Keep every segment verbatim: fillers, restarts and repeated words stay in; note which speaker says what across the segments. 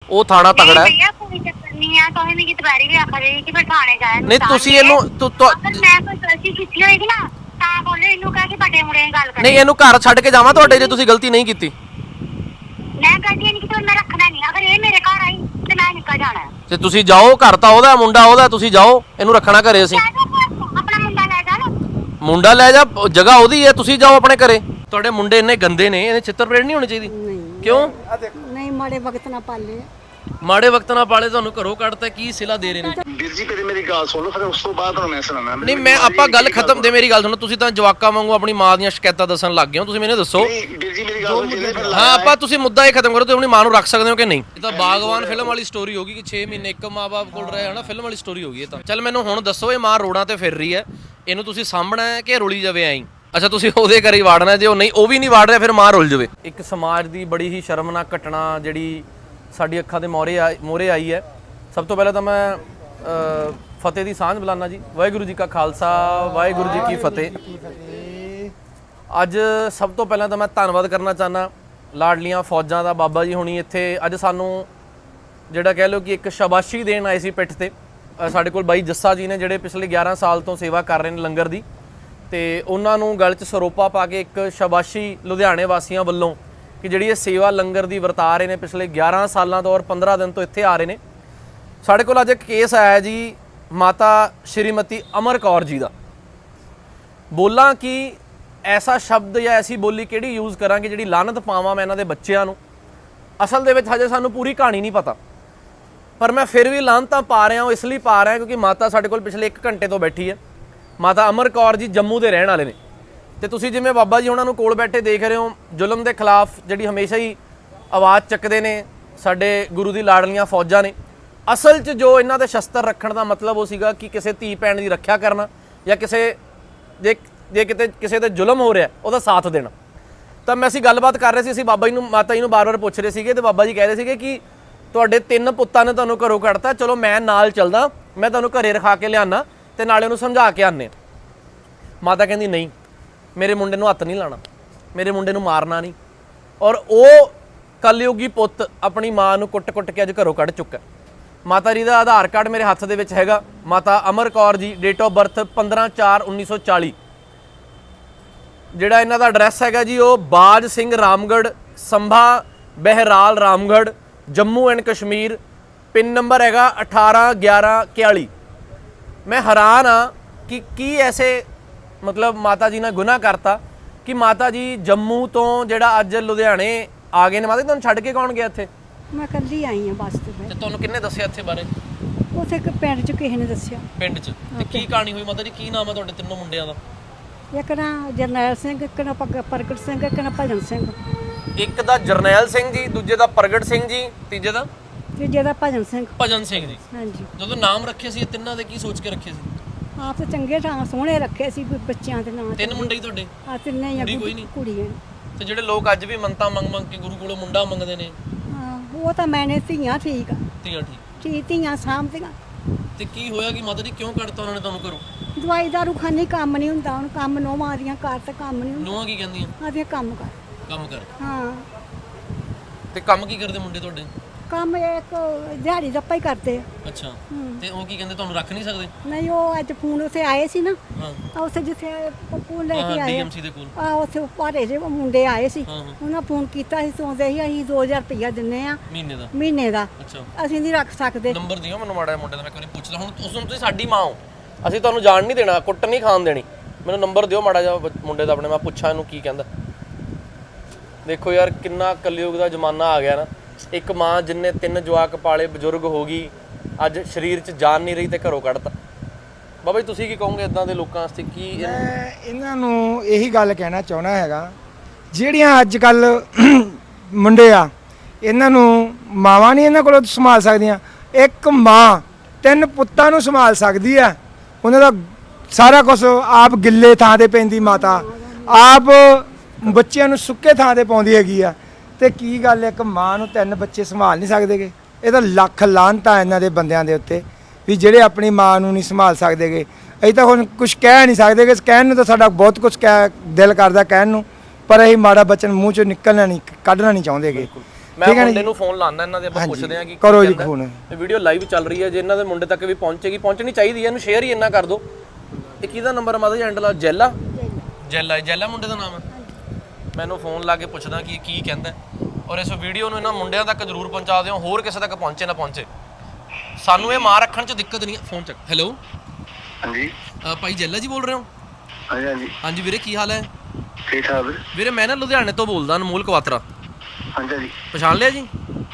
Speaker 1: ਉਹ ਥਾਣਾ ਤਗੜਾ ਹੈ।
Speaker 2: ਨਹੀਂ ਆ ਤੁਸੀਂ ਮੇਰੀ ਦੁਬਾਰੀ ਵੀ ਆਖ ਰਹੇ ਕਿ ਮੈਂ ਥਾਣੇ ਜਾਇਆ
Speaker 1: ਨਹੀਂ ਤੁਸੀਂ ਇਹਨੂੰ
Speaker 2: ਅਗਰ ਮੈਂ ਕੋਈ ਗਲਤੀ ਕੀਤੀ ਹੋਏਗੀ ਨਾ ਤਾਂ ਬੋਲੇ ਇਹਨੂੰ ਕਹਿ ਕੇ ਵੱਡੇ ਮੁੰਡੇ ਨਾਲ ਗੱਲ ਕਰੇ।
Speaker 1: ਨਹੀਂ ਇਹਨੂੰ ਘਰ ਛੱਡ ਕੇ ਜਾਵਾਂ ਤੁਹਾਡੇ ਜੇ ਤੁਸੀਂ ਗਲਤੀ ਨਹੀਂ ਕੀਤੀ।
Speaker 2: ਮੈਂ ਗਲਤੀ ਨਹੀਂ ਕੀਤੀ, ਮੈਂ ਰੱਖਣਾ ਨਹੀਂ। ਅਗਰ ਇਹ ਮੇਰੇ ਘਰ ਆਈ ਤੇ ਮੈਂ ਨਿਕਲ ਜਾਣਾ
Speaker 1: ਤੇ ਤੁਸੀਂ ਜਾਓ, ਘਰ ਤਾਂ ਉਹਦਾ ਮੁੰਡਾ ਉਹਦਾ, ਤੁਸੀਂ ਜਾਓ, ਇਹਨੂੰ ਰੱਖਣਾ ਘਰੇ ਅਸੀਂ।
Speaker 2: ਆਪਣਾ ਮੁੰਡਾ ਲੈ ਜਾ ਨਾ।
Speaker 1: ਮੁੰਡਾ ਲੈ ਜਾ, ਜਗ੍ਹਾ ਉਹਦੀ ਹੈ, ਤੁਸੀਂ ਜਾਓ ਆਪਣੇ ਘਰੇ। ਤੁਹਾਡੇ ਮੁੰਡੇ ਇੰਨੇ ਗੰਦੇ ਨੇ, ਇਹਨੇ ਚਿੱਤਰ ਪਰੇਡ ਨਹੀਂ ਹੋਣੀ ਚਾਹੀਦੀ। ਕਿਉਂ
Speaker 3: ਨਹੀਂ ਮਾੜੇ ਵਕਤ ਨਾ ਪਾਲੇ,
Speaker 1: ਮਾੜੇ ਵਕਤ ਨਾਲ ਪਾਲੇ, ਤੁਹਾਨੂੰ ਘਰੋਂ ਕੱਢਤਾ, ਕੀ ਸਿਲਾ ਦੇ ਰਹੇ ਨੇ?
Speaker 4: ਵੀਰ ਜੀ ਕਦੇ ਮੇਰੀ ਗੱਲ ਸੁਣ ਲਓ, ਫਿਰ ਉਸ ਤੋਂ ਬਾਅਦ ਤੁਹਾਨੂੰ ਮੈਂ ਸੁਣਾਉਣਾ।
Speaker 1: ਨਹੀਂ ਮੈਂ ਆਪਾਂ ਗੱਲ ਖਤਮ ਦੇ, ਮੇਰੀ ਗੱਲ ਸੁਣੋ। ਤੁਸੀਂ ਤਾਂ ਜਵਾਕਾਂ ਵਾਂਗੂ ਆਪਣੀ ਮਾਂ ਦੀਆਂ ਸ਼ਿਕਾਇਤਾਂ ਦੱਸਣ ਲੱਗ ਗਏ ਹੋ। ਤੁਸੀਂ ਮੈਨੂੰ ਦੱਸੋ।
Speaker 4: ਵੀਰ ਜੀ ਮੇਰੀ ਗੱਲ ਸੁਣੋ।
Speaker 1: ਹਾਂ ਆਪਾਂ ਤੁਸੀਂ ਮੁੱਦਾ ਇਹ ਖਤਮ ਕਰੋ, ਤੁਸੀਂ ਆਪਣੀ ਮਾਂ ਨੂੰ ਰੱਖ ਸਕਦੇ ਹੋ ਕਿ ਨਹੀਂ? ਇਹ ਤਾਂ ਬਾਗਵਾਨ ਫਿਲਮ ਵਾਲੀ ਸਟੋਰੀ ਹੋਗੀ ਕਿ ਛੇ ਮਹੀਨੇ ਇੱਕ ਮਾਂ-ਬਾਪ ਕੋਲ ਰਹੇ ਹਨਾ, ਫਿਲਮ ਵਾਲੀ ਸਟੋਰੀ ਹੋਗੀ ਇਹ ਤਾਂ। ਚੱਲ ਮੈਨੂੰ ਹੁਣ ਦੱਸੋ, ਇਹ ਮਾਂ ਰੋਡਾਂ ਤੇ ਫਿਰ ਰਹੀ ਹੈ, ਇਹਨੂੰ ਤੁਸੀਂ ਸਾਂਭਣਾ ਹੈ ਕਿ ਰੁਲੀ ਜਾਵੇ ਐਂ? ਅੱਛਾ ਤੁਸੀਂ ਉਹਦੇ ਘਰ ਹੀ ਵਾੜਨਾ, ਜੇ ਉਹ ਨਹੀਂ ਉਹ ਵੀ ਨਹੀਂ ਵਾੜ ਰਿਹਾ ਫਿਰ ਮਾਂ ਰੁਲ ਜਾਵੇ। ਇੱਕ ਸਮਾਜ ਦੀ ਬੜੀ ਹੀ ਸ਼ਰਮਨਾਕ ਘਟਨਾ ਜਿਹੜੀ ਸਾਡੀ ਅੱਖਾਂ ਦੇ ਮੋਹਰੇ ਆ ਮੋਹਰੇ ਆਈ ਹੈ। ਸਭ ਤੋਂ ਪਹਿਲਾਂ ਤਾਂ ਮੈਂ ਫਤਿਹ ਦੀ ਸਾਂਝ ਬੁਲਾਨਾ ਜੀ। ਵਾਹਿਗੁਰੂ ਜੀ ਕਾ ਖਾਲਸਾ, ਵਾਹਿਗੁਰੂ ਜੀ ਕੀ ਫਤਿਹ। ਅੱਜ ਸਭ ਤੋਂ ਪਹਿਲਾਂ ਤਾਂ ਮੈਂ ਧੰਨਵਾਦ ਕਰਨਾ ਚਾਹੁੰਦਾ ਲਾਡਲੀਆਂ ਫੌਜਾਂ ਦਾ, ਬਾਬਾ ਜੀ ਹੁਣੀ ਇੱਥੇ ਅੱਜ ਸਾਨੂੰ ਜਿਹੜਾ ਕਹਿ ਲਓ ਕਿ ਇੱਕ ਸ਼ਾਬਾਸ਼ੀ ਦੇਣ ਆਏ ਸੀ ਪਿੱਠ ਤੇ। ਸਾਡੇ ਕੋਲ ਬਾਈ ਜੱਸਾ ਜੀ ਨੇ ਜਿਹੜੇ ਪਿਛਲੇ ਗਿਆਰਾਂ ਸਾਲ ਤੋਂ ਸੇਵਾ ਕਰ ਰਹੇ ਨੇ ਲੰਗਰ ਦੀ, ਤੇ ਉਹਨਾਂ ਨੂੰ ਗਲ 'ਚ ਸਰੋਪਾ ਪਾ ਕੇ ਇੱਕ ਸ਼ਾਬਾਸ਼ੀ ਲੁਧਿਆਣੇ ਵਾਸੀਆਂ ਵੱਲੋਂ ਕਿ ਜਿਹੜੀ ਇਹ ਸੇਵਾ ਲੰਗਰ ਦੀ ਵਰਤਾ ਰਹੇ ਨੇ ਪਿਛਲੇ ਗਿਆਰਾਂ ਸਾਲਾਂ ਤੋਂ ਔਰ ਪੰਦਰਾਂ ਦਿਨ ਤੋਂ ਇੱਥੇ ਆ ਰਹੇ ਨੇ। ਸਾਡੇ ਕੋਲ ਅੱਜ ਇੱਕ ਕੇਸ ਆਇਆ ਜੀ ਮਾਤਾ ਸ਼੍ਰੀਮਤੀ ਅਮਰ ਕੌਰ ਜੀ ਦਾ। ਬੋਲਾਂ ਕਿ ਐਸਾ ਸ਼ਬਦ ਜਾਂ ਐਸੀ ਬੋਲੀ ਕਿਹੜੀ ਯੂਜ਼ ਕਰਾਂਗੇ ਜਿਹੜੀ ਲਾਨਤ ਪਾਵਾਂ ਮੈਂ ਇਹਨਾਂ ਦੇ ਬੱਚਿਆਂ ਨੂੰ। ਅਸਲ ਦੇ ਵਿੱਚ ਹਜੇ ਸਾਨੂੰ ਪੂਰੀ ਕਹਾਣੀ ਨਹੀਂ ਪਤਾ, ਪਰ ਮੈਂ ਫਿਰ ਵੀ ਲਾਨਤਾਂ ਪਾ ਰਿਹਾ ਹਾਂ। ਇਸ ਲਈ ਪਾ ਰਿਹਾ ਕਿਉਂਕਿ ਮਾਤਾ ਸਾਡੇ ਕੋਲ ਪਿਛਲੇ ਇੱਕ ਘੰਟੇ ਤੋਂ ਬੈਠੀ ਹੈ। ਮਾਤਾ ਅਮਰ ਕੌਰ ਜੀ ਜੰਮੂ ਦੇ ਰਹਿਣ ਵਾਲੇ ਨੇ, ਤੇ ਤੁਸੀਂ ਜਿਵੇਂ ਬਾਬਾ ਜੀ ਉਹਨਾਂ ਨੂੰ ਕੋਲ ਬੈਠੇ ਦੇਖ ਰਹੇ ਹੋ, ਜ਼ੁਲਮ ਦੇ ਖਿਲਾਫ ਜਿਹੜੀ ਹਮੇਸ਼ਾ ਹੀ ਆਵਾਜ਼ ਚੱਕਦੇ ਨੇ ਸਾਡੇ ਗੁਰੂ ਦੀ ਲਾਡਲੀਆਂ ਫੌਜਾਂ ਨੇ। ਅਸਲ 'ਚ ਜੋ ਇਹਨਾਂ ਦੇ ਸ਼ਸਤਰ ਰੱਖਣ ਦਾ ਮਤਲਬ ਉਹ ਸੀਗਾ ਕਿ ਕਿਸੇ ਧੀ ਭੈਣ ਦੀ ਰੱਖਿਆ ਕਰਨਾ ਜਾਂ ਕਿਸੇ ਜੇ ਜੇ ਕਿਤੇ ਕਿਸੇ ਤੇ ਜ਼ੁਲਮ ਹੋ ਰਿਹਾ ਉਹਦਾ ਸਾਥ ਦੇਣਾ। ਤਾਂ ਮੈਂ ਅਸੀਂ ਗੱਲਬਾਤ ਕਰ ਰਹੇ ਸੀ, ਅਸੀਂ ਬਾਬਾ ਜੀ ਨੂੰ ਮਾਤਾ ਜੀ ਨੂੰ ਬਾਰ-ਬਾਰ ਪੁੱਛ ਰਹੇ ਸੀਗੇ, ਤੇ ਬਾਬਾ ਜੀ ਕਹਿ ਰਹੇ ਸੀਗੇ ਕਿ ਤੁਹਾਡੇ ਤਿੰਨ ਪੁੱਤਾਂ ਨੇ ਤੁਹਾਨੂੰ ਘਰੋਂ ਕੱਢਤਾ, ਚਲੋ ਮੈਂ ਨਾਲ ਚੱਲਦਾ, ਮੈਂ ਤੁਹਾਨੂੰ ਘਰੇ ਰਖਾ ਕੇ ਲਿਆਉਣਾ ਤੇ ਨਾਲੇ ਉਹਨੂੰ ਸਮਝਾ ਕੇ ਆਉਂਦੇ। ਮਾਤਾ ਕਹਿੰਦੀ ਨਹੀਂ, ਮੇਰੇ ਮੁੰਡੇ ਨੂੰ ਹੱਥ ਨਹੀਂ ਲਾਣਾ, ਮੇਰੇ ਮੁੰਡੇ ਨੂੰ ਮਾਰਨਾ ਨਹੀਂ। ਔਰ ਉਹ ਕਲਯੁਗੀ ਪੁੱਤ ਆਪਣੀ ਮਾਂ ਨੂੰ ਕੁੱਟ-ਕੁੱਟ ਕੇ ਅੱਜ ਘਰੋਂ ਕੱਢ ਚੁੱਕਾ। ਮਾਤਾ ਜੀ ਦਾ ਆਧਾਰ ਕਾਰਡ ਮੇਰੇ ਹੱਥ ਦੇ ਵਿੱਚ ਹੈਗਾ। ਮਾਤਾ ਅਮਰ ਕੌਰ ਜੀ, ਡੇਟ ਆਫ ਬਰਥ ਪੰਦਰਾਂ ਚਾਰ ਉੱਨੀ ਸੌ ਚਾਲੀ। ਜਿਹੜਾ ਇਹਨਾਂ ਦਾ ਐਡਰੈਸ ਹੈਗਾ ਜੀ ਉਹ Baj Singh Ramgarh, Samba Behral Ramgarh, Jammu and Kashmir. Pin number ਹੈਗਾ ਅਠਾਰਾਂ ਗਿਆਰਾਂ ਇਕਤਾਲੀ। ਮੈਂ ਹੈਰਾਨ ਹਾਂ ਕਿ ਕੀ ਐਸੇ ਮਤਲਬ ਮਾਤਾ ਜੀ ਨੇ ਗੁਨਾਹ ਕਰਤਾ ਕਿ ਮਾਤਾ ਜੀ ਜੰਮੂ ਤੋਂ ਜਿਹੜਾ ਅੱਜ ਲੁਧਿਆਣੇ ਆ ਗਏ ਨੇ। ਮਾਤਾ ਜੀ ਤੁਹਾਨੂੰ ਛੱਡ ਕੇ ਕੌਣ ਗਿਆ ਇੱਥੇ?
Speaker 3: ਮੈਂ ਕੱਲੀ ਆਈ ਹਾਂ ਬੱਸ ਤੇ।
Speaker 1: ਤੇ ਤੁਹਾਨੂੰ ਕਿੰਨੇ ਦੱਸਿਆ ਇੱਥੇ ਬਾਰੇ?
Speaker 3: ਉੱਥੇ ਇੱਕ ਪਿੰਡ 'ਚ ਕਿਸੇ ਨੇ ਦੱਸਿਆ।
Speaker 1: ਪਿੰਡ 'ਚ? ਤੇ ਕੀ ਕਹਾਣੀ ਹੋਈ ਮਾਤਾ ਜੀ? ਕੀ ਨਾਮ ਹੈ ਤੁਹਾਡੇ ਤਿੰਨੋਂ ਮੁੰਡਿਆਂ ਦਾ?
Speaker 3: ਇੱਕ ਨਾ ਜਰਨੈਲ ਸਿੰਘ, ਇੱਕ ਨਾ ਪ੍ਰਗਟ ਸਿੰਘ, ਇੱਕ ਨਾ ਭਜਨ ਸਿੰਘ।
Speaker 1: ਇੱਕ ਦਾ ਜਰਨੈਲ ਸਿੰਘ ਜੀ, ਦੂਜੇ ਦਾ ਪ੍ਰਗਟ ਸਿੰਘ ਜੀ, ਤੀਜੇ ਦਾ
Speaker 3: ਤੀਜੇ ਦਾ ਭਜਨ ਸਿੰਘ।
Speaker 1: ਭਜਨ ਸਿੰਘ ਜੀ।
Speaker 3: ਹਾਂਜੀ।
Speaker 1: ਜਦੋਂ ਨਾਮ ਰੱਖੇ ਸੀ ਇਹ ਤਿੰਨਾਂ ਦੇ, ਕੀ ਸੋਚ ਕੇ ਰੱਖੇ ਸੀ?
Speaker 3: ਆਪ ਤਾਂ ਚੰਗੇ ਥਾਂ ਸੋਹਣੇ ਰੱਖੇ ਸੀ ਬੱਚਿਆਂ ਦੇ ਨਾਂ।
Speaker 1: ਤਿੰਨ ਮੁੰਡੇ ਹੀ ਤੁਹਾਡੇ?
Speaker 3: ਆ ਤਿੰਨੇ ਹੀ ਆ,
Speaker 1: ਕੋਈ ਨਹੀਂ?
Speaker 3: ਕੁੜੀਆਂ।
Speaker 1: ਤੇ ਜਿਹੜੇ ਲੋਕ ਅੱਜ ਵੀ ਮੰਨਤਾਂ ਮੰਗ ਮੰਗ ਕੇ ਗੁਰੂ ਕੋਲੋਂ ਮੁੰਡਾ ਮੰਗਦੇ ਨੇ?
Speaker 3: ਹਾਂ ਉਹ ਤਾਂ ਮੈਨੇ ਧੀਆਂ ਠੀਕ ਆ।
Speaker 1: ਧੀਆਂ ਠੀਕ?
Speaker 3: ਧੀ ਧੀਆਂ ਸਾਂਭਦੀਆਂ।
Speaker 1: ਤੇ ਕੀ ਹੋਇਆ ਕਿ ਮਾਤਾ ਜੀ ਕਿਉਂ ਕੱਢਤਾ ਉਹਨਾਂ ਨੇ ਤੁਹਾਨੂੰ ਘਰੋਂ?
Speaker 3: ਦਵਾਈ ਦਾਰੂ ਖਾਣੀ, ਕੰਮ ਨਹੀਂ ਹੁੰਦਾ ਹੁਣ। ਕੰਮ ਨੋਵਾਂ ਦੀਆਂ ਘਰ ਤੇ ਕੰਮ ਨਹੀਂ ਹੁੰਦਾ।
Speaker 1: ਨੂੰਹਾਂ ਕੀ ਕਹਿੰਦੀਆਂ?
Speaker 3: ਆਦੀਆਂ ਕੰਮ ਕਰ।
Speaker 1: ਕੰਮ ਕਰ?
Speaker 3: ਹਾਂ।
Speaker 1: ਤੇ ਕੰਮ ਕੀ ਕਰਦੇ ਮੁੰਡੇ ਤੁਹਾਡੇ?
Speaker 3: ਕੰਮ ਇੱਕ ਦਿਹਾੜੀ ਦੱਪਾ ਹੀ ਕਰਦੇ ਆ।
Speaker 1: ਅੱਛਾ। ਤੇ ਉਹ ਕੀ ਕਹਿੰਦੇ, ਤੁਹਾਨੂੰ ਰੱਖ ਨਹੀਂ ਸਕਦੇ?
Speaker 3: ਨਹੀਂ ਉਹ ਅੱਜ ਫੋਨ ਉੱਥੇ ਆਏ ਸੀ ਨਾ,
Speaker 1: ਹਾਂ
Speaker 3: ਉੱਥੇ ਜਿੱਥੇ ਪੱਪੂ ਲੈ ਕੇ ਆਏ
Speaker 1: ਡੀਐਮਸੀ ਦੇ ਕੋਲ,
Speaker 3: ਆ ਉੱਥੇ ਭਾਰੇ ਜਿਹੇ ਮੁੰਡੇ ਆਏ ਸੀ।
Speaker 1: ਹਾਂ ਹਾਂ।
Speaker 3: ਉਹਨਾਂ ਫੋਨ ਕੀਤਾ ਸੀ, ਸੋਚਦੇ ਸੀ ਅਸੀਂ ਦੋ ਹਜ਼ਾਰ ਰੁਪਇਆ ਦਿੰਨੇ ਆ
Speaker 1: ਮਹੀਨੇ ਦਾ।
Speaker 3: ਮਹੀਨੇ ਦਾ।
Speaker 1: ਅੱਛਾ।
Speaker 3: ਅਸੀਂ ਨਹੀਂ ਰੱਖ ਸਕਦੇ।
Speaker 1: ਨੰਬਰ ਦਿਓ ਮੈਨੂੰ ਮਾੜਾ ਜਿਹਾ ਮੁੰਡੇ ਦਾ, ਮੈਂ ਕੋਈ ਪੁੱਛਦਾ। ਹੁਣ ਉਸ ਨੂੰ ਤੁਸੀਂ ਸਾਡੀ ਮਾਂ ਹੋ, ਅਸੀਂ ਤੁਹਾਨੂੰ ਜਾਣ ਨਹੀਂ ਦੇਣਾ, ਕੁੱਟ ਨਹੀਂ ਖਾਣ ਦੇਣੀ। ਮੈਨੂੰ ਨੰਬਰ ਦਿਓ ਮਾੜਾ ਜਿਹਾ ਮੁੰਡੇ ਦਾ ਆਪਣੇ, ਮੈਂ ਪੁੱਛਾਂ ਇਹਨੂੰ ਕੀ ਕਹਿੰਦਾ। ਦੇਖੋ ਯਾਰ ਕਿੰਨਾ ਕਲਯੁਗ ਦਾ ਜ਼ਮਾਨਾ ਆ ਗਿਆ ਨਾ। ਇੱਕ ਮਾਂ ਜਿੰਨੇ ਤਿੰਨ ਜਵਾਕ ਪਾਲੇ, ਬਜ਼ੁਰਗ ਹੋ ਗਈ, ਅੱਜ ਸਰੀਰ 'ਚ ਜਾਨ ਨਹੀਂ ਰਹੀ ਤੇ ਘਰੋਂ ਕੱਢਤਾ। ਬਾਬਾ ਜੀ ਤੁਸੀਂ ਕੀ ਕਹੋਗੇ ਇਦਾਂ ਦੇ ਲੋਕਾਂ ਵਾਸਤੇ? ਕੀ
Speaker 5: ਮੈਂ ਇਹਨਾਂ ਨੂੰ ਇਹੀ ਗੱਲ ਕਹਿਣਾ ਚਾਹੁੰਦਾ ਹੈਗਾ, ਜਿਹੜੀਆਂ ਅੱਜ ਕੱਲ ਮੁੰਡੇ ਆ ਇਹਨਾਂ ਨੂੰ ਮਾਵਾਂ ਨਹੀਂ ਇਹਨਾਂ ਕੋਲੋਂ ਸੰਭਾਲ ਸਕਦੀਆਂ। ਇੱਕ ਮਾਂ ਤਿੰਨ ਪੁੱਤਾਂ ਨੂੰ ਸੰਭਾਲ ਸਕਦੀ ਆ। ਉਹਨਾਂ ਦਾ ਸਾਰਾ ਕੁਝ ਆਪ ਗਿੱਲੇ ਥਾਂ ਤੇ ਪੈਂਦੀ ਮਾਤਾ, ਆਪ ਬੱਚਿਆਂ ਨੂੰ ਸੁੱਕੇ ਥਾਂ ਤੇ ਪਾਉਂਦੀ ਹੈਗੀ ਆ। ਤੇ ਕੀ ਗੱਲ ਇੱਕ ਮਾਂ ਨੂੰ ਤਿੰਨ ਬੱਚੇ ਸੰਭਾਲ ਨਹੀਂ ਸਕਦੇਗੇ? ਇਹ ਤਾਂ ਲੱਖ ਲਾਹਨਤਾਂ ਇਹਨਾਂ ਦੇ ਬੰਦਿਆਂ ਦੇ ਉੱਤੇ ਵੀ ਜਿਹੜੇ ਆਪਣੀ ਮਾਂ ਨੂੰ ਨਹੀਂ ਸੰਭਾਲ ਸਕਦੇਗੇ। ਅਸੀਂ ਤਾਂ ਹੁਣ ਕੁਝ ਕਹਿ ਨਹੀਂ ਸਕਦੇਗੇ। ਕਹਿਣ ਨੂੰ ਤਾਂ ਸਾਡਾ ਬਹੁਤ ਕੁਝ ਕਹਿ ਦਿਲ ਕਰਦਾ ਕਹਿਣ ਨੂੰ, ਪਰ ਅਸੀਂ ਮਾੜਾ ਬਚਨ ਮੂੰਹ ਚੋਂ ਨਿਕਲਣਾ ਨਹੀਂ, ਕੱਢਣਾ ਨਹੀਂ ਚਾਹੁੰਦੇਗੇ।
Speaker 1: ਮੈਂ
Speaker 5: ਠੀਕ ਹੈ
Speaker 1: ਮੁੰਡੇ
Speaker 5: ਜੀ
Speaker 1: ਨੂੰ ਫੋਨ ਲਾਣਾ ਇਹਨਾਂ ਦੇ ਆਪਾਂ
Speaker 5: ਹਾਂਜੀ,
Speaker 1: ਪੁੱਛਦੇ ਆ ਕਿ
Speaker 5: ਕਰੋ ਜੀ ਫੋਨ।
Speaker 1: ਇਹ ਵੀਡੀਓ ਲਾਈਵ ਚੱਲ ਰਹੀ ਹੈ, ਜੇ ਇਹਨਾਂ ਦੇ ਮੁੰਡੇ ਤੱਕ ਵੀ ਪਹੁੰਚੇਗੀ, ਪਹੁੰਚਣੀ ਚਾਹੀਦੀ ਹੈ, ਇਹਨੂੰ ਸ਼ੇਅਰ ਹੀ ਇੰਨਾ ਕਰ ਦਿਓ। ਇਹ ਕਿਹਦਾ ਨੰਬਰ ਹੈ ਮਾਤਾ ਜੀ? ਹੈਂਡਲ ਜੈਲਾ ਜੈਲਾ ਜੈਲਾ ਮੁੰਡੇ ਦਾ ਨਾਮ ਹੈ। ਮੈਨੂੰ ਫੋਨ ਲਾ ਕੇ ਪੁੱਛਦਾ ਕਿ ਇਹ ਕੀ ਕਹਿੰਦਾ, ਔਰ ਇਸ ਵੀਡੀਓ ਨੂੰ ਇਹਨਾਂ ਮੁੰਡਿਆਂ ਤੱਕ ਜ਼ਰੂਰ ਪਹੁੰਚਾ ਦਿਓ, ਹੋਰ ਕਿਸੇ ਤੱਕ ਪਹੁੰਚੇ ਨਾ ਪਹੁੰਚੇ। ਸਾਨੂੰ ਇਹ ਮਾਰ ਰੱਖਣ 'ਚ ਦਿੱਕਤ ਨਹੀਂ ਹੈ। ਫੋਨ ਚੱਕ। ਹੈਲੋ
Speaker 4: ਹਾਂਜੀ
Speaker 1: ਭਾਈ ਜੈਲਾ ਜੀ ਬੋਲ ਰਹੇ ਹੋ?
Speaker 4: ਹਾਂਜੀ ਹਾਂਜੀ
Speaker 1: ਹਾਂਜੀ ਵੀਰੇ, ਕੀ ਹਾਲ ਹੈ?
Speaker 4: ਠੀਕ ਠਾਕ ਵੀਰੇ।
Speaker 1: ਵੀਰੇ ਮੈਂ ਨਾ ਲੁਧਿਆਣੇ ਤੋਂ ਬੋਲਦਾ, ਅਨਮੋਲ ਕਵਾਤਰਾ।
Speaker 4: ਹਾਂਜੀ ਹਾਂਜੀ
Speaker 1: ਪਛਾਣ ਲਿਆ ਜੀ?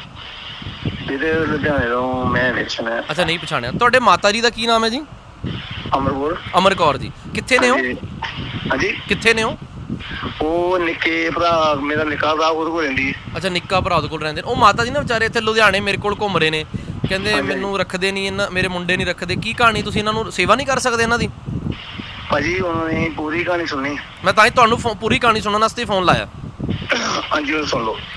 Speaker 4: ਵੀਰੇ ਲੁਧਿਆਣੇ ਤੋਂ ਮੈਂ ਵੇਚਣਾ ਹੈ।
Speaker 1: ਅੱਛਾ, ਨਹੀਂ ਪਛਾਣਿਆ। ਤੁਹਾਡੇ ਮਾਤਾ ਜੀ ਦਾ ਕੀ ਨਾਮ ਹੈ ਜੀ?
Speaker 4: ਅਮਰਪੁਰ।
Speaker 1: ਅਮਰ ਕੌਰ ਜੀ। ਕਿੱਥੇ ਨੇ ਉਹ?
Speaker 4: ਹਾਂਜੀ
Speaker 1: ਕਿੱਥੇ ਨੇ ਉਹ?
Speaker 4: ਉਹ ਨਿੱਕੇ ਭਰਾ ਮੇਰਾ ਨਿੱਕਾ ਭਰਾ ਉਹਦੇ ਕੋਲ ਰਹਿੰਦੀ ਹੈ।
Speaker 1: ਅੱਛਾ, ਨਿੱਕਾ ਭਰਾ ਉਹਦੇ ਕੋਲ ਰਹਿੰਦੇ ਨੇ। ਉਹ ਮਾਤਾ ਜੀ ਨਾ ਵਿਚਾਰੇ ਇੱਥੇ ਲੁਧਿਆਣੇ ਮੇਰੇ ਕੋਲ ਘੁੰਮ ਰਹੇ ਨੇ, ਕਹਿੰਦੇ ਮੈਨੂੰ ਰੱਖਦੇ ਨਹੀਂ, ਇਹਨਾਂ ਮੇਰੇ ਮੁੰਡੇ ਨਹੀਂ ਰੱਖਦੇ। ਕੀ ਕਹਾਣੀ, ਤੁਸੀਂ ਇਹਨਾਂ ਨੂੰ ਸੇਵਾ ਨਹੀਂ ਕਰ ਸਕਦੇ ਇਹਨਾਂ ਦੀ?
Speaker 4: ਭਾਜੀ ਉਹਨਾਂ ਨੇ ਪੂਰੀ ਕਹਾਣੀ ਸੁਣੀ।
Speaker 1: ਮੈਂ ਤਾਂ ਹੀ ਤੁਹਾਨੂੰ ਫੋ- ਪੂਰੀ ਕਹਾਣੀ ਸੁਣਨ ਵਾਸਤੇ ਫੋਨ ਲਾਇਆ।
Speaker 4: ਹਾਂਜੀ ਉਹ ਸੁਣ ਲਓ।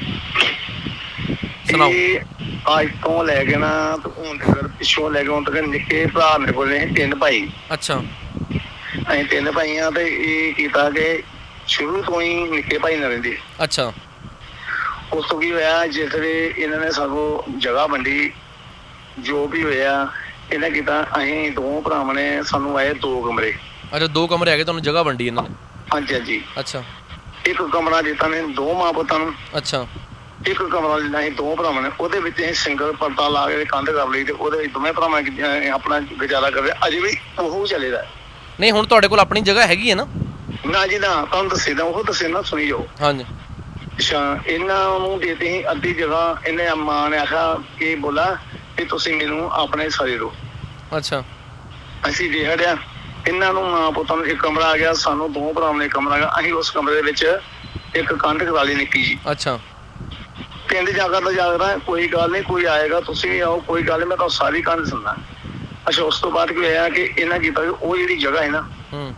Speaker 1: ਸੁਣਾਓ।
Speaker 4: ਇਹ ਅੱਜ ਤੋਂ ਲੈ ਕੇ ਨਾ ਤੇ ਹੁਣ ਤੱਕ ਪਿੱਛੋਂ ਲੈ ਕੇ ਹੁਣ ਤੱਕ ਨਿੱਕੇ ਭਰਾ ਮੇਰੇ ਕੋਲ ਨੇ ਤਿੰਨ ਭਾਈ।
Speaker 1: ਅੱਛਾ
Speaker 4: ਅਸੀਂ ਤਿੰਨ ਭਾਈ ਆ ਤੇ ਇਹ ਕੀਤਾ ਕਿ ਸ਼ੁਰੂ ਤੋਂ ਹੀ ਨਿੱਕੇ ਭਾਈ ਨਾਲ ਰਹਿੰਦੇ।
Speaker 1: ਅੱਛਾ
Speaker 4: ਉਸ ਤੋਂ ਕੀ ਹੋਇਆ, ਜਿਸ ਵੇਲੇ ਇਹਨਾਂ ਨੇ ਸਾਨੂੰ ਜਗ੍ਹਾ ਵੰਡੀ, ਜੋ ਵੀ ਹੋਇਆ ਇਹਨਾਂ ਕੀਤਾ, ਅਸੀਂ ਦੋ ਭਰਾਵਾਂ ਨੇ ਸਾਨੂੰ ਆਏ ਦੋ ਕਮਰੇ।
Speaker 1: ਅੱਛਾ, ਦੋ ਕਮਰੇ ਹੈਗੇ, ਤੁਹਾਨੂੰ ਜਗ੍ਹਾ ਵੰਡੀ ਇਹਨਾਂ ਨੇ?
Speaker 4: ਹਾਂਜੀ ਹਾਂਜੀ।
Speaker 1: ਅੱਛਾ
Speaker 4: ਇੱਕ ਕਮਰਾ ਦਿੱਤਾ ਨੇ ਦੋ ਮਾਂ ਪੁੱਤਾਂ ਨੂੰ,
Speaker 1: ਅੱਛਾ
Speaker 4: ਇੱਕ ਕਮਰਾ ਲੈਣਾ ਸੀ ਦੋ ਭਰਾਵਾਂ ਨੇ। ਉਹਦੇ ਵਿੱਚ ਅਸੀਂ ਸਿੰਗਲ ਪਰਦਾ ਲਾ ਕੇ ਕੰਧ ਕਰ ਲਈ ਤੇ ਉਹਦੇ ਵਿੱਚ ਦੋਵੇਂ ਭਰਾਵਾਂ ਨੇ ਅਹ ਆਪਣਾ ਗੁਜ਼ਾਰਾ ਕਰਦੇ। ਅਜੇ ਵੀ ਉਹ ਚੱਲੇਦਾ।
Speaker 1: ਨਹੀਂ, ਹੁਣ ਤੁਹਾਡੇ ਕੋਲ ਆਪਣੀ ਜਗ੍ਹਾ ਹੈਗੀ ਹੈ ਨਾ?
Speaker 4: ਨਾ ਜੀ ਨਾ, ਤੁਹਾਨੂੰ ਦੱਸੇ ਦਾ ਉਹ ਦੱਸੇ ਨਾ, ਸੁਣੀ ਜਾਓ।
Speaker 1: ਹਾਂਜੀ।
Speaker 4: ਅੱਛਾ, ਇਹਨਾਂ ਨੂੰ ਦੇਤੇ ਸੀ ਅੱਧੀ ਜਗ੍ਹਾ। ਇਹਨੇ ਮਾਂ ਨੇ ਆਖਿਆ ਕਿ ਬੋਲਾ ਕਿ ਤੁਸੀਂ ਮੈਨੂੰ ਆਪਣੇ ਸਾਰੇ ਦਿਓ।
Speaker 1: ਅੱਛਾ
Speaker 4: ਅਸੀਂ ਦੇ ਹੜਿਆ ਇਹਨਾਂ ਨੂੰ, ਮਾਂ ਪੁੱਤਾਂ ਨੂੰ ਇੱਕ ਕਮਰਾ ਆ ਗਿਆ, ਸਾਨੂੰ ਦੋ ਭਰਾਵਾਂ ਨੇ ਇੱਕ ਕਮਰਾ ਆ ਗਿਆ। ਅਸੀਂ ਉਸ ਕਮਰੇ ਦੇ ਵਿੱਚ ਇੱਕ ਕੰਧ ਕਰਾ ਲਈ ਨਿੱਕੀ ਜੀ।
Speaker 1: ਅੱਛਾ
Speaker 4: ਪਿੰਡ ਜਾ ਕਰਦਾ ਜਾਗਦਾ, ਕੋਈ ਗੱਲ ਨਹੀਂ, ਕੋਈ ਆਏਗਾ ਤੁਸੀਂ ਵੀ ਆਓ, ਕੋਈ ਗੱਲ ਨਹੀਂ, ਮੈਂ ਤੁਹਾਨੂੰ ਸਾਰੀ ਕੰਧ ਸੁਣਨਾ। ਅੱਛਾ, ਉਸ ਤੋਂ ਬਾਅਦ ਕੀ ਹੋਇਆ ਕਿ ਇਹਨਾਂ ਕੀਤਾ ਕਿ ਉਹ ਜਿਹੜੀ ਜਗ੍ਹਾ ਹੈ ਨਾ,
Speaker 1: ਹੂੰ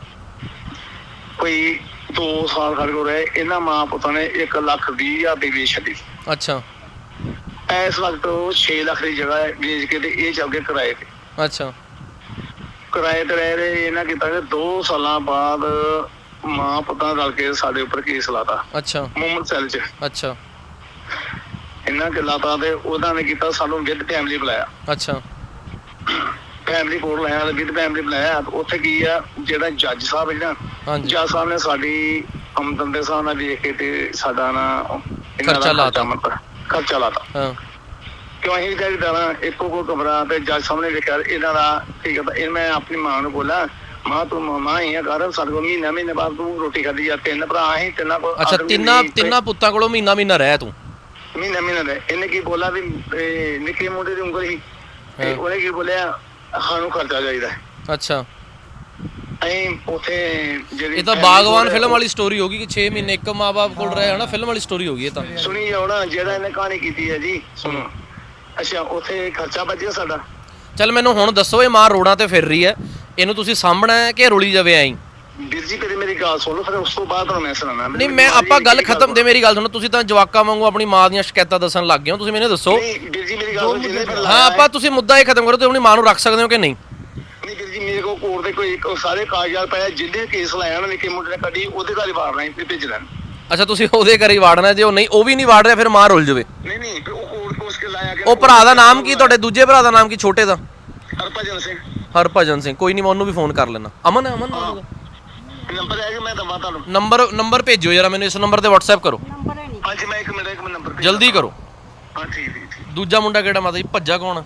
Speaker 4: ਕੋਈ ਦੋ ਸਾਲ ਸਾਡੇ ਕੋਲ ਰਹੇ। ਇਹਨਾਂ ਮਾਂ ਪੁੱਤਾਂ ਨੇ ਇੱਕ ਲੱਖ ਵੀਹ ਹਜ਼ਾਰ ਦੀ ਵੇਚ ਛੱਡੀ।
Speaker 1: ਅੱਛਾ
Speaker 4: ਇਸ ਵਕਤ ਉਹ ਛੇ ਲੱਖ ਦੀ ਜਗ੍ਹਾ ਵੇਚ ਕੇ ਤੇ ਇਹ ਚੱਲ ਗਏ ਕਿਰਾਏ ਤੇ।
Speaker 1: ਅੱਛਾ
Speaker 4: ਕਿਰਾਏ ਤੇ ਰਹਿ ਰਹੇ। ਇਹਨਾਂ ਕੀਤਾ ਕਿ ਦੋ ਸਾਲਾਂ ਬਾਅਦ ਮਾਂ ਪੁੱਤਾਂ ਰਲ ਕੇ ਸਾਡੇ ਉੱਪਰ ਕੇਸ ਲਾਤਾ
Speaker 1: ਅੱਛਾ
Speaker 4: ਮੁਹੰਮਦ ਸੈਲ ਚ।
Speaker 1: ਅੱਛਾ
Speaker 4: ਇਹਨਾਂ ਕੇ ਲਾਤਾ ਤੇ ਉਹਨਾਂ ਨੇ ਕੀਤਾ ਸਾਨੂੰ ਵਿਦ ਫੈਮਿਲੀ ਬੁਲਾਇਆ।
Speaker 1: ਅੱਛਾ
Speaker 4: ਫੈਮਿਲੀ ਕੋਲ ਲਾਇਆ ਤੇ ਵਿਦ ਫੈਮਿਲੀ ਬੁਲਾਇਆ। ਉੱਥੇ ਕੀ ਆ, ਜਿਹੜਾ ਜੱਜ ਸਾਹਿਬ ਹੈ ਨਾ,
Speaker 1: ਹਾਂਜੀ।
Speaker 4: ਜੱਜ ਸਾਹਿਬ ਨੇ ਸਾਡੀ ਆਮਦਨ ਦੇ ਹਿਸਾਬ ਨਾਲ ਵੇਖ ਕੇ ਤੇ ਸਾਡਾ ਨਾ ਇਹਨਾਂ ਦਾ
Speaker 1: ਖਰਚਾ ਲਾਤਾ।
Speaker 4: ਮਤਲਬ ਖਰਚਾ ਲਾਤਾ।
Speaker 1: ਹਾਂ
Speaker 4: ਕਿਉਂ ਅਸੀਂ ਵੀ ਦਾਣਾ ਇੱਕੋ ਕੋ ਕਮਰਾ ਤੇ ਜੱਜ ਸਾਹਮਣੇ ਵੇਖਿਆ ਇਹਨਾਂ ਦਾ। ਠੀਕ ਹੈ, ਇਹ ਮੈਂ ਆਪਣੀ ਮਾਂ ਨੂੰ ਬੋਲਾ, ਮਾਂ ਤੂੰ ਮਾਂ ਹੀ ਆ ਕਰ, ਸਾਡੇ ਕੋਲ ਮਹੀਨਾ ਮਹੀਨੇ ਬਾਅਦ ਤੂੰ ਰੋਟੀ ਖਾਦੀ ਆ। ਤਿੰਨ ਭਰਾ ਅਸੀਂ ਤਿੰਨਾਂ ਕੋਲ।
Speaker 1: ਅੱਛਾ, ਤਿੰਨਾਂ ਤਿੰਨਾਂ ਪੁੱਤਾਂ ਕੋਲੋਂ ਮਹੀਨਾ ਮਹੀਨਾ ਰਹਿ ਤੂੰ?
Speaker 4: ਮਹੀਨਾ ਮਹੀਨਾ ਦੇ। ਇਹਨੇ ਕੀ ਬੋਲਾ ਵੀ ਇਹ ਨਿੱਕੇ ਮੁੰਡੇ ਦੀ ਉਂਗਲ ਸੀ ਤੇ ਉਹਨੇ ਕੀ ਬੋਲਿਆ, ਸਾਨੂੰ ਖਰਚਾ ਚਾਹੀਦਾ।
Speaker 1: ਅੱਛਾ,
Speaker 4: ਅਸੀਂ ਉੱਥੇ ਜਿਹੜੀ
Speaker 1: ਇਹ ਤਾਂ ਬਾਗਵਾਨ ਫਿਲਮ ਵਾਲੀ ਸਟੋਰੀ ਹੋਗੀ ਕਿ ਛੇ ਮਹੀਨੇ ਇੱਕ ਮਾਂ-ਬਾਪ ਕੋਲ ਰਹੇ ਹਨਾ, ਫਿਲਮ ਵਾਲੀ ਸਟੋਰੀ ਹੋਗੀ ਇਹ ਤਾਂ।
Speaker 4: ਸੁਣੀ ਜਾਓ ਨਾ, ਜਿਹੜਾ ਇਹਨੇ ਕਹਾਣੀ ਕੀਤੀ ਹੈ ਜੀ, ਸੁਣੋ। ਅੱਛਾ, ਉੱਥੇ ਖਰਚਾ ਬਚਿਆ ਸਾਡਾ।
Speaker 1: ਚੱਲ ਮੈਨੂੰ ਹੁਣ ਦੱਸੋ, ਇਹ ਮਾਂ ਰੋਡਾਂ ਤੇ ਫਿਰ ਰਹੀ ਹੈ, ਇਹਨੂੰ ਤੁਸੀਂ ਸਾਂਭਣਾ ਹੈ ਕਿ ਰੁਲੀ ਜਾਵੇ ਐਂ?
Speaker 4: ਵੀਰ ਜੀ ਕਦੇ ਮੇਰੀ ਗੱਲ ਸੁਣ ਲਓ, ਫਿਰ ਉਸ ਤੋਂ ਬਾਅਦ ਤੁਹਾਨੂੰ ਮੈਂ ਸੁਣਾਉਣਾ।
Speaker 1: ਨਹੀਂ, ਮੈਂ ਆਪਾਂ ਗੱਲ ਖਤਮ ਦੇ ਮੇਰੀ ਗੱਲ ਸੁਣੋ। ਤੁਸੀਂ ਤਾਂ ਜਵਾਕਾਂ ਵਾਂਗੂ ਆਪਣੀ ਮਾਂ ਦੀਆਂ ਸ਼ਿਕਾਇਤਾਂ ਦੱਸਣ ਲੱਗ ਗਏ ਹੋ। ਤੁਸੀਂ ਮੈਨੂੰ ਦੱਸੋ।
Speaker 4: ਨਹੀਂ ਵੀਰ ਜੀ ਮੇਰੀ ਗੱਲ ਸੁਣੋ, ਜਿਹਨੇ ਫਿਰ
Speaker 1: ਹਾਂ,
Speaker 4: ਲਾਇਆ
Speaker 1: ਆਪਾਂ ਤੁਸੀਂ ਮੁੱਦਾ ਇਹ ਖਤਮ ਕਰੋ, ਤੁਸੀਂ ਆਪਣੀ ਮਾਂ ਨੂੰ ਰੱਖ ਸਕਦੇ ਹੋ ਕਿ ਨਹੀਂ?
Speaker 4: ਨਹੀਂ ਵੀਰ ਜੀ, ਮੇਰੇ ਕੋਲ ਕੋਰਟ ਦੇ ਕੋਈ ਕੋਈ ਸਾਰੇ ਕਾਗਜ਼ਾਤ ਪਏ ਆ। ਜਿਹਦੇ ਕੇਸ ਲਾਇਆ ਨਾ ਨਿੱਕੇ ਮੁੰਡੇ ਨੇ ਕੱਢੀ, ਉਹਦੇ ਘਰ ਹੀ ਵਾੜਨਾ ਹੀ ਭੇਜ ਦੇਣ।
Speaker 1: ਅੱਛਾ, ਤੁਸੀਂ ਉਹਦੇ ਘਰ ਹੀ ਵਾੜਨਾ, ਜੇ ਉਹ ਨਹੀਂ ਉਹ ਵੀ ਨਹੀਂ ਵਾੜ ਰਿਹਾ ਫਿਰ ਮਾਂ ਰੁਲ ਜਾਵੇ।
Speaker 4: ਨਹੀਂ ਨਹੀਂ, ਫਿਰ ਉਹ ਕੋਰਟ ਕੋਸ ਕੇ ਲਾਇਆ ਗਿਆ।
Speaker 1: ਉਹ ਭਰਾ ਦਾ ਨਾਮ ਕੀ? ਤੁਹਾਡੇ ਦੂਜੇ ਭਰਾ ਦਾ ਨਾਮ ਕੀ, ਛੋਟੇ ਦਾ?
Speaker 4: ਹਰਭਜਨ ਸਿੰਘ।
Speaker 1: ਹਰਭਜਨ ਸਿੰਘ। ਕੋਈ ਨਹੀਂ, ਮੈਂ ਉਹਨੂੰ ਵੀ ਫੋਨ ਕਰ ਲੈਣਾ। ਅਮਨ ਹੈ? ਅਮਨ ਨਾਮ ਉਹਦਾ?
Speaker 4: ਨੰਬਰ ਹੈ ਕਿ ਮੈਂ ਦਵਾਂ ਤੁਹਾਨੂੰ?
Speaker 1: ਨੰਬਰ ਨੰਬਰ ਭੇਜਿਓ ਜਰਾ ਮੈਨੂੰ, ਇਸ ਨੰਬਰ ਤੇ WhatsApp ਕਰੋ।
Speaker 3: ਨੰਬਰ ਹੈ ਨਹੀਂ।
Speaker 4: ਹਾਂਜੀ, ਮੈਂ ਇੱਕ ਮਿੰਟ ਇੱਕ ਮਿੰਟ ਨੰਬਰ ਭੇਜ
Speaker 1: ਜਲਦੀ ਕਰੋ।
Speaker 4: ਹਾਂ ਠੀਕ ਠੀਕ ਠੀਕ।
Speaker 1: ਦੂਜਾ ਮੁੰਡਾ ਕਿਹੜਾ ਮਾਤਾ ਜੀ? ਭੱਜਾ ਕੌਣ?